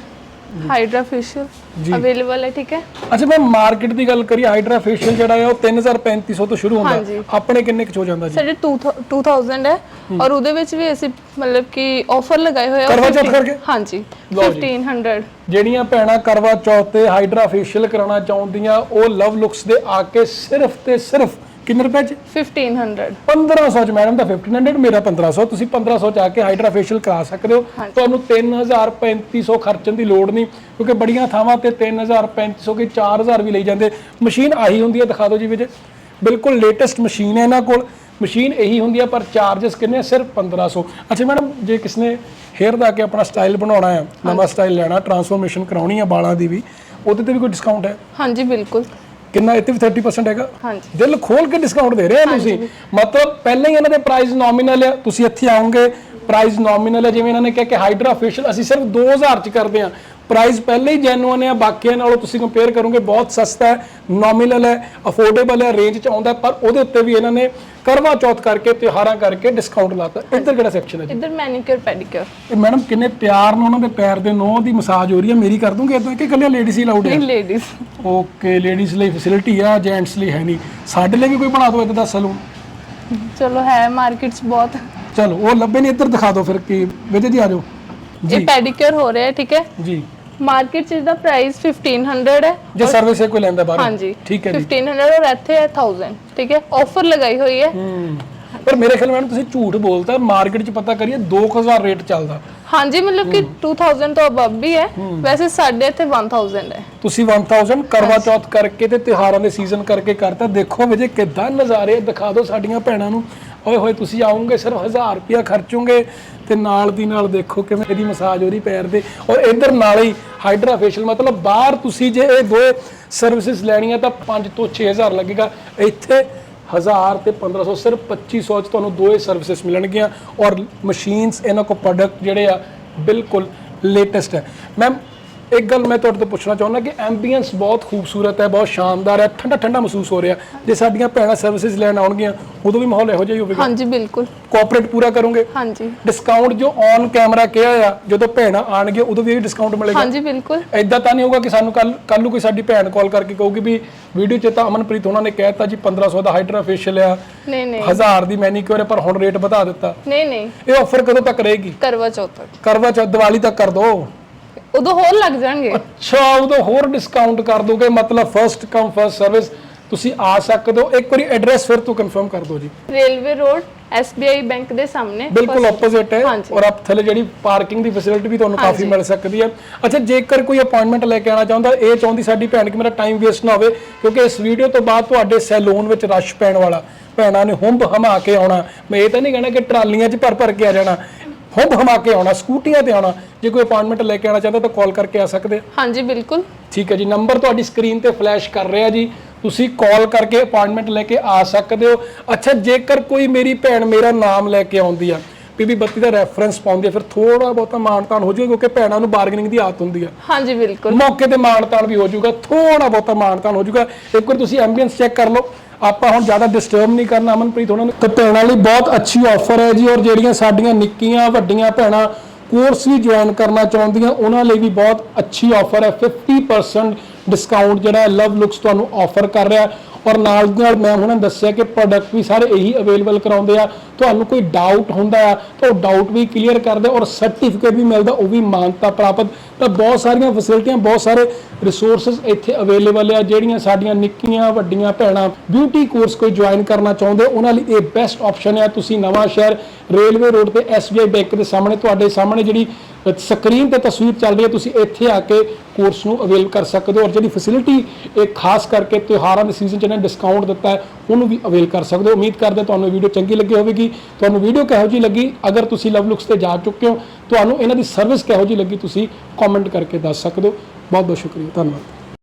ਹਾਈਡਰਾ ਫੇਸ਼ੀਅਲ ਅਵੇਲੇਬਲ ਹੈ, ਠੀਕ ਹੈ।
ਅੱਛਾ ਮੈਂ ਮਾਰਕੀਟ ਦੀ ਗੱਲ ਕਰੀ, ਹਾਈਡਰਾ ਫੇਸ਼ੀਅਲ ਜਿਹੜਾ ਹੈ ਉਹ ਤਿੰਨ ਹਜ਼ਾਰ ਪੈਂਤੀ ਸੌ ਤੋਂ ਸ਼ੁਰੂ ਹੁੰਦਾ,
ਹਾਂਜੀ।
ਆਪਣੇ ਕਿੰਨੇ ਕੁ ਚ ਹੋ ਜਾਂਦਾ ਜੀ?
ਸਾਡੇ two thousand ਹੈ, ਔਰ ਉਹਦੇ ਵਿੱਚ ਵੀ ਅਸੀਂ ਮਤਲਬ ਕਿ ਆਫਰ ਲਗਾਏ ਹੋਏ ਆ
ਕਰਵਾ ਚੌਥ ਕਰਕੇ?
ਹਾਂਜੀ
ਲਓ ਜੀ।
fifteen hundred।
ਜਿਹੜੀਆਂ ਭੈਣਾਂ ਕਰਵਾ ਚੌਥ ਤੇ ਹਾਈਡਰਾ ਫੇਸ਼ੀਅਲ ਕਰਾਉਣਾ ਚਾਹੁੰਦੀਆਂ ਉਹ ਲਵ ਲੁਕਸ ਦੇ ਆ ਕੇ ਸਿਰਫ ਤੇ ਸਿਰਫ ਕਿੰਨੇ ਰੁਪਏ ਚ?
fifteen hundred।
ਪੰਦਰਾਂ ਸੌ ਚ ਮੈਡਮ ਦਾ ਫਿਫਟੀਨ ਹੰਡਰਡ, ਮੇਰਾ ਪੰਦਰਾਂ ਸੌ। ਤੁਸੀਂ ਪੰਦਰਾਂ ਸੌ ਚ ਆ ਕੇ ਹਾਈਡਰਾ ਫੇਸ਼ੀਅਲ ਕਰਾ ਸਕਦੇ ਹੋ। ਤੁਹਾਨੂੰ ਤਿੰਨ ਹਜ਼ਾਰ ਪੈਂਤੀ ਸੌ ਖਰਚਣ ਦੀ ਲੋੜ ਨਹੀਂ, ਕਿਉਂਕਿ ਬੜੀਆਂ ਥਾਵਾਂ ਤੇ ਤਿੰਨ ਹਜ਼ਾਰ ਪੈਂਤੀ ਸੌ ਕੇ ਚਾਰ ਹਜ਼ਾਰ ਵੀ ਲਈ ਜਾਂਦੇ। ਮਸ਼ੀਨ ਆਹੀ ਹੁੰਦੀ ਹੈ, ਦਿਖਾ ਦਿਓ ਜੀ ਵਿਜੇ, ਬਿਲਕੁਲ ਲੇਟੈਸਟ ਮਸ਼ੀਨ ਹੈ ਇਹਨਾਂ ਕੋਲ। ਮਸ਼ੀਨ ਇਹੀ ਹੁੰਦੀ ਹੈ ਪਰ ਚਾਰजेस ਕਿੰਨੇ? ਸਿਰਫ ਪੰਦਰਾਂ ਸੌ। ਅੱਛਾ ਮੈਡਮ ਜੇ ਕਿਸ ਨੇ ਹੇਅਰ ਦਾ ਕੇ ਆਪਣਾ ਸਟਾਈਲ ਬਣਾਉਣਾ ਹੈ, ਨਵਾਂ ਸਟਾਈਲ ਲੈਣਾ, ਟਰਾਂਸਫੋਰਮੇਸ਼ਨ ਕਰਾਉਣੀ ਹੈ ਬਾਲਾਂ ਦੀ ਵੀ, ਉਹਦੇ ਤੇ ਵੀ ਕੋਈ ਡਿਸਕਾਊਂਟ ਹੈ?
ਹਾਂਜੀ ਬਿਲਕੁਲ।
ਕਿੰਨਾ? ਇੱਥੇ ਵੀ thirty percent ਹੈਗਾ।
ਹਾਂਜੀ।
ਦਿਲ ਖੋਲ ਕੇ ਡਿਸਕਾਊਂਟ ਦੇ ਰਹੇ ਆ ਤੁਸੀਂ, ਮਤਲਬ ਪਹਿਲਾਂ ਹੀ ਇਹਨਾਂ ਦੇ ਪ੍ਰਾਈਸ ਨੋਮੀਨਲ ਆ, ਤੁਸੀਂ ਇੱਥੇ ਆਓਗੇ ਪ੍ਰਾਈਸ ਨੋਮੀਨਲ ਹੈ। ਜਿਵੇਂ ਇਹਨਾਂ ਨੇ ਕਿਹਾ ਕਿ ਹਾਈਡਰਾ ਫੇਸ਼ੀਅਲ ਅਸੀਂ ਸਿਰਫ ਦੋ ਹਜ਼ਾਰ ਚ ਕਰਦੇ ਹਾਂ, ਪ੍ਰਾਈਸ ਪਹਿਲੇ ਹੀ ਜੈਨੂਅਨ ਹੈ, ਬਾਕੀਆਂ ਨਾਲੋਂ ਤੁਸੀਂ ਕੰਪੇਅਰ ਕਰੋਗੇ ਬਹੁਤ ਸਸਤਾ ਹੈ, ਨੋਮੀਨਲ ਹੈ, ਅਫੋਰਡੇਬਲ ਹੈ, ਰੇਂਜ ਚ ਆਉਂਦਾ। ਪਰ ਉਹਦੇ ਉੱਤੇ ਵੀ ਇਹਨਾਂ ਨੇ ਕਰਵਾ ਚੌਥ ਕਰਕੇ ਤਿਉਹਾਰਾਂ ਕਰਕੇ ਡਿਸਕਾਊਂਟ ਲਾਤਾ। ਇੱਧਰ ਕਿਹੜਾ ਸੈਕਸ਼ਨ ਹੈ ਜੀ?
ਇੱਧਰ ਮੈਨੀਕਿਉਰ ਪੈਡੀਕਿਉਰ।
ਇਹ ਮੈਡਮ ਕਿੰਨੇ ਪਿਆਰ ਨਾਲ ਉਹਨਾਂ ਦੇ ਪੈਰ ਦੇ ਨੋਹ ਦੀ ਮਸਾਜ ਹੋ ਰਹੀ ਹੈ, ਮੇਰੀ ਕਰ ਦੂੰਗੇ ਇਦਾਂ ਕਿ ਇਕੱਲੇ ਲੇਡੀਜ਼ ਹੀ ਲਾਊਡ ਹੈ?
ਨਹੀਂ ਲੇਡੀਜ਼।
ਓਕੇ, ਲੇਡੀਜ਼ ਲਈ ਫੈਸਿਲਿਟੀ ਆ, ਜੈਂਟਸ ਲਈ ਹੈ ਨਹੀਂ। ਸਾਡੇ ਲਈ ਵੀ ਕੋਈ ਬਣਾ ਦਿਓ ਇਦਾਂ ਦਾ ਸਲੂਨ।
ਚਲੋ ਹੈ ਮਾਰਕੀਟ 'ਚ ਬਹੁਤ।
ਚਲੋ ਉਹ ਲੱਭੇ ਨਹੀਂ, ਇੱਧਰ ਦਿਖਾ ਦਿਓ ਫਿਰ ਕੀ। ਵਿਜੇ ਜੀ ਆ ਜਾਓ
ਇਹ ਪੈਡੀਕਿਉਰ ਹੋ ਰਿਹਾ ਹੈ, ਠੀਕ ਹੈ
ਜੀ।
ਮਾਰਕੀਟ 'ਚ ਦਾ ਪ੍ਰਾਈਸ fifteen hundred ਹੈ।
ਜੇ ਸਰਵਿਸ ਹੈ ਕੋਈ ਲੈਂਦਾ ਬਾਹਰ?
ਹਾਂਜੀ
ਠੀਕ ਹੈ ਜੀ।
fifteen hundred ਔਰ ਇੱਥੇ ਹੈ one thousand, ਠੀਕ ਹੈ। ਆਫਰ ਲਗਾਈ ਹੋਈ ਹੈ।
ਹੂੰ, ਪਰ ਮੇਰੇ ਖਿਆਲ ਮੈਡਮ ਤੁਸੀਂ ਝੂਠ ਬੋਲਤਾ। ਮਾਰਕੀਟ 'ਚ ਪਤਾ ਕਰੀਏ ਦੋ ਹਜ਼ਾਰ ਰੇਟ ਚੱਲਦਾ।
ਹਾਂਜੀ ਮਤਲਬ ਕਿ two thousand ਤੋਂ ਅਬਵ ਵੀ ਹੈ, ਵੈਸੇ ਸਾਡੇ ਇੱਥੇ one thousand ਹੈ।
ਤੁਸੀਂ one thousand ਕਰਵਾ ਚੌਥ ਕਰਕੇ ਤੇ ਤਿਉਹਾਰਾਂ ਦੇ ਸੀਜ਼ਨ ਕਰਕੇ ਕਰਤਾ। ਦੇਖੋ ਵਿਜੇ ਕਿੱਦਾਂ ਨਜ਼ਾਰੇ ਦਿਖਾ ਦਿਓ ਸਾਡੀਆਂ ਭੈਣਾਂ ਨੂੰ। ਓਏ ਹੋਏ ਤੁਸੀਂ ਆਉਂਗੇ ਸਿਰਫ ਹਜ਼ਾਰ ਰੁਪਇਆ ਖਰਚੋਗੇ ਤੇ ਨਾਲ ਦੀ ਨਾਲ ਦੇਖੋ ਕਿਵੇਂ ਇਹਦੀ ਮਸਾਜ ਹੋ ਰਹੀ ਪੈਰ ਦੇ, ਔਰ ਇੱਧਰ ਨਾਲ ਹੀ ਹਾਈਡਰਾ ਫੇਸ਼ੀਅਲ। ਮਤਲਬ ਬਾਹਰ ਤੁਸੀਂ ਜੇ ਇਹ ਦੋ ਸਰਵਿਸਿਜ਼ ਲੈਣੀਆਂ ਤਾਂ ਪੰਜ ਤੋਂ ਛੇ ਹਜ਼ਾਰ ਲੱਗੇਗਾ, ਇੱਥੇ ਹਜ਼ਾਰ ਤੇ ਪੰਦਰਾਂ ਸੌ, ਸਿਰਫ ਪੱਚੀ ਸੌ ਚ ਤੁਹਾਨੂੰ ਦੋਏ ਸਰਵਿਸਿਜ਼ ਮਿਲਣਗੀਆਂ। ਔਰ ਮਸ਼ੀਨਸ ਇਹਨਾਂ ਕੋਲ ਪ੍ਰੋਡਕਟ ਜਿਹੜੇ ਆ ਬਿਲਕੁਲ ਲੇਟੈਸਟ ਹੈ। ਮੈਮ ਇੱਕ ਗੱਲ ਮੈਂ ਤੁਹਾਡੇ ਤੋਂ ਪੁੱਛਣਾ ਚਾਹੁੰਦਾ ਕਿ ਐਂਬੀਐਂਸ ਬਹੁਤ ਖੂਬਸੂਰਤ ਹੈ, ਬਹੁਤ ਸ਼ਾਨਦਾਰ ਹੈ, ਠੰਡਾ ਠੰਡਾ ਮਹਿਸੂਸ ਹੋ ਰਿਹਾ। ਜੇ ਸਾਡੀਆਂ ਭੈਣਾਂ ਸਰਵਿਸਿਜ਼ ਲੈਣ ਆਉਣਗੀਆਂ ਉਦੋਂ ਵੀ ਮਾਹੌਲ ਇਹੋ ਜਿਹਾ ਹੀ ਹੋਵੇਗਾ?
ਹਾਂਜੀ ਬਿਲਕੁਲ।
ਕੋਆਪਰੇਟ ਪੂਰਾ ਕਰੋਗੇ?
ਹਾਂਜੀ।
ਡਿਸਕਾਊਂਟ ਜੋ ਔਨ ਕੈਮਰਾ ਕਿਹਾ ਆ, ਜਦੋਂ ਭੈਣਾਂ ਆਣਗੇ ਉਦੋਂ ਵੀ ਇਹ ਡਿਸਕਾਊਂਟ ਮਿਲੇਗਾ?
ਹਾਂਜੀ ਬਿਲਕੁਲ।
ਐਦਾਂ ਤਾਂ ਨਹੀਂ ਹੋਊਗਾ ਕਿ ਸਾਨੂੰ ਕੱਲ ਕੱਲ ਨੂੰ ਕੋਈ ਸਾਡੀ ਭੈਣ ਕਾਲ ਕਰਕੇ ਕਹੂਗੀ ਵੀ ਵੀਡੀਓ 'ਚ ਤਾਂ ਅਮਨਪ੍ਰੀਤ ਉਹਨਾਂ ਨੇ ਕਹਿਤਾ ਜੀ ਪੰਦਰਾਂ ਸੌ ਦਾ ਹਾਈਡਰਾ ਫੇਸ਼ੀਅਲ ਆ,
ਨਹੀਂ ਨਹੀਂ
ਹਜ਼ਾਰ ਦੀ ਮੈਨੀਕਿਉਰ ਹੈ ਪਰ ਹੁਣ ਰੇਟ ਵਧਾ ਦਿੱਤਾ।
ਨਹੀਂ ਨਹੀਂ,
ਇਹ ਆਫਰ ਕਦੋਂ ਤੱਕ ਰਹੇਗੀ?
ਕਰਵਾ ਚੌਥ ਤੱਕ।
ਕਰਵਾ ਚੌਥ, ਦੀਵਾਲੀ ਤੱਕ ਕਰ ਦੋ।
ਉਦੋਂ ਹੋਰ ਲੱਗ ਜਾਣਗੇ।
ਅੱਛਾ, ਉਦੋਂ ਹੋਰ ਡਿਸਕਾਊਂਟ ਕਰ ਦੋਗੇ, ਮਤਲਬ ਫਰਸਟ ਕਮ ਫਰਸਟ ਸਰਵਿਸ। ਤੁਸੀਂ ਆ ਸਕਦੇ ਹੋ। ਇੱਕ ਵਾਰੀ ਐਡਰੈਸ ਫਿਰ ਤੋਂ ਕਨਫਰਮ ਕਰ ਦਿਓ ਜੀ।
Railway road S B I bank ਦੇ ਸਾਹਮਣੇ
ਬਿਲਕੁਲ ਆਪੋਜ਼ਿਟ ਹੈ।
ਹਾਂਜੀ।
ਔਰ ਆਪ ਥੱਲੇ ਜਿਹੜੀ ਪਾਰਕਿੰਗ ਦੀ ਫੈਸਿਲਿਟੀ ਵੀ ਤੁਹਾਨੂੰ ਕਾਫੀ ਮਿਲ ਸਕਦੀ ਹੈ। ਅੱਛਾ, ਜੇਕਰ ਕੋਈ ਅਪਾਇੰਟਮੈਂਟ ਲੈ ਕੇ ਆਉਣਾ ਚਾਹੁੰਦਾ, ਇਹ ਚਾਹੁੰਦੀ ਸਾਡੀ ਭੈਣ ਕਿ ਮੇਰਾ ਟਾਈਮ ਵੇਸਟ ਨਾ ਹੋਵੇ, ਕਿਉਂਕਿ ਇਸ ਵੀਡੀਓ ਤੋਂ ਬਾਅਦ ਤੁਹਾਡੇ ਸੈਲੂਨ ਵਿੱਚ ਰਸ਼ ਪੈਣ ਵਾਲਾ, ਭੈਣਾਂ ਨੇ ਹੁੰਬ ਹਮਾ ਕੇ ਆਉਣਾ। ਮੈਂ ਇਹ ਤਾਂ ਨਹੀਂ ਕਹਿਣਾ ਕਿ ਟਰਾਲੀਆਂ 'ਚ ਭਰ ਭਰ ਕੇ ਆ ਜਾਣਾ, ਹੁੰਬ ਹਮਾ ਕੇ ਆਉਣਾ, ਸਕੂਟੀਆਂ ਤੇ ਆਉਣਾ। ਜੇ ਕੋਈ ਅਪਾਇੰਟਮੈਂਟ ਲੈ ਕੇ ਆਉਣਾ ਚਾਹੁੰਦਾ ਤਾਂ ਕਾਲ ਕਰਕੇ ਆ ਸਕਦੇ ਆ?
ਹਾਂਜੀ ਬਿਲਕੁਲ।
ਠੀਕ ਹੈ ਜੀ, ਨੰਬਰ ਤੁਹਾਡੀ ਸਕਰੀਨ ਤੇ ਫਲੈਸ਼ ਕਰ ਰਿਹਾ ਜੀ, ਤੁਸੀਂ ਕਾਲ ਕਰਕੇ ਅਪਾਇੰਟਮੈਂਟ ਲੈ ਕੇ ਆ ਸਕਦੇ ਹੋ। ਅੱਛਾ, ਜੇਕਰ ਕੋਈ ਮੇਰੀ ਭੈਣ ਮੇਰਾ ਨਾਮ ਲੈ ਕੇ ਆਉਂਦੀ ਆ, ਪੀਬੀ ਬੱਤੀ ਦਾ ਰੈਫਰੈਂਸ ਪਾਉਂਦੀ ਆ, ਫਿਰ ਥੋੜਾ ਬਹੁਤਾ ਮਾਨਤਾਨ ਹੋ ਜਾਊਗਾ, ਕਿਉਂਕਿ ਭੈਣਾਂ ਨੂੰ ਬਾਰਗੇਨਿੰਗ ਦੀ ਆਦਤ ਹੁੰਦੀ ਆ।
ਹਾਂਜੀ ਬਿਲਕੁਲ।
ਮੌਕੇ ਤੇ ਮਾਨਤਾਨ ਵੀ ਹੋ ਜਾਊਗਾ, ਥੋੜਾ ਬਹੁਤਾ ਮਾਨਤਾਨ ਹੋ ਜਾਊਗਾ। ਇੱਕ ਵਾਰ ਤੁਸੀਂ ਐਂਬੀਐਂਸ ਚੈੱਕ ਕਰ ਲਓ। ਆਪਾਂ ਹੁਣ ਜ਼ਿਆਦਾ ਡਿਸਟਰਬ ਨਹੀਂ ਕਰਨਾ ਅਮਨਪ੍ਰੀਤ ਉਹਨਾਂ ਨੂੰ। ਤੇ ਭੈਣਾਂ ਲਈ ਬਹੁਤ ਅੱਛੀ ਆਫਰ ਹੈ ਜੀ, ਔਰ ਜਿਹੜੀਆਂ ਸਾਡੀਆਂ ਨਿੱਕੀਆਂ ਵੱਡੀਆਂ ਭੈਣਾਂ ਕੋਰਸ ਵੀ ਜੁਆਇਨ ਕਰਨਾ ਚਾਹੁੰਦੀਆਂ ਉਹਨਾਂ ਲਈ ਵੀ ਬਹੁਤ ਅੱਛੀ ਆਫਰ ਹੈ। fifty percent ਡਿਸਕਾਊਂਟ ਜਿਹੜਾ ਲਵ ਲੁਕਸ ਤੁਹਾਨੂੰ ਆਫਰ ਕਰ ਰਿਹਾ। ਔਰ ਨਾਲ ਦੀ ਨਾਲ ਮੈਂ ਉਹਨਾਂ ਨੇ ਦੱਸਿਆ ਕਿ ਪ੍ਰੋਡਕਟ ਵੀ ਸਾਰੇ ਇਹੀ ਅਵੇਲੇਬਲ ਕਰਾਉਂਦੇ ਆ। ਤੁਹਾਨੂੰ ਕੋਈ ਡਾਊਟ ਹੁੰਦਾ ਆ ਤਾਂ ਉਹ ਡਾਊਟ ਵੀ ਕਲੀਅਰ ਕਰਦੇ, ਔਰ ਸਰਟੀਫਿਕੇਟ ਵੀ ਮਿਲਦਾ, ਉਹ ਵੀ ਮਾਨਤਾ ਪ੍ਰਾਪਤ। ਤਾਂ ਬਹੁਤ ਸਾਰੀਆਂ ਫੈਸਿਲਿਟੀਆਂ, ਬਹੁਤ ਸਾਰੇ ਰਿਸੋਰਸਸ ਇੱਥੇ ਅਵੇਲੇਬਲ ਆ। ਜਿਹੜੀਆਂ ਸਾਡੀਆਂ ਨਿੱਕੀਆਂ ਵੱਡੀਆਂ ਭੈਣਾਂ ਬਿਊਟੀ ਕੋਰਸ ਕੋਈ ਜੁਆਇਨ ਕਰਨਾ ਚਾਹੁੰਦੇ, ਉਹਨਾਂ ਲਈ ਇਹ ਬੈਸਟ ਆਪਸ਼ਨ ਹੈ। ਤੁਸੀਂ ਨਵਾਂ ਸ਼ਹਿਰ ਰੇਲਵੇ ਰੋਡ ਤੇ S B I ਬੈਂਕ ਦੇ ਸਾਹਮਣੇ, ਤੁਹਾਡੇ ਸਾਹਮਣੇ ਜਿਹੜੀ ਸਕਰੀਨ ਤੇ ਤਸਵੀਰ ਚੱਲ ਰਹੀ ਹੈ, ਤੁਸੀਂ ਇੱਥੇ ਆ ਕੇ ਕੋਰਸ ਨੂੰ ਅਵੇਲ ਕਰ ਸਕਦੇ ਹੋ। ਔਰ ਜਿਹੜੀ ਫੈਸਿਲਿਟੀ ਇਹ ਖਾਸ ਕਰਕੇ ਤਿਉਹਾਰਾਂ ਦੇ ਸੀਜ਼ਨ 'ਚ ਇਹਨੇ ਡਿਸਕਾਊਂਟ ਦਿੱਤਾ ਹੈ, ਉਹਨੂੰ ਵੀ ਅਵੇਲ ਕਰ ਸਕਦੇ ਹੋ। ਉਮੀਦ ਕਰਦੇ ਤੁਹਾਨੂੰ ਵੀਡੀਓ ਚੰਗੀ ਲੱਗੀ ਹੋਵੇਗੀ। ਤੁਹਾਨੂੰ ਵੀਡੀਓ ਕਿਹੋ ਜਿਹੀ ਲੱਗੀ, ਅਗਰ ਤੁਸੀਂ ਲਵ ਲੁਕਸ ਤੇ ਜਾ ਚੁੱਕੇ ਹੋ, ਤੁਹਾਨੂੰ ਇਹਨਾਂ ਦੀ ਸਰਵਿਸ ਕਿਹੋ ਜਿਹੀ ਲੱਗੀ, ਤੁਸੀਂ ਕਮੈਂਟ ਕਰਕੇ ਦੱਸ ਸਕਦੇ ਹੋ। ਬਹੁਤ ਬਹੁਤ ਸ਼ੁਕਰੀਆ, ਧੰਨਵਾਦ।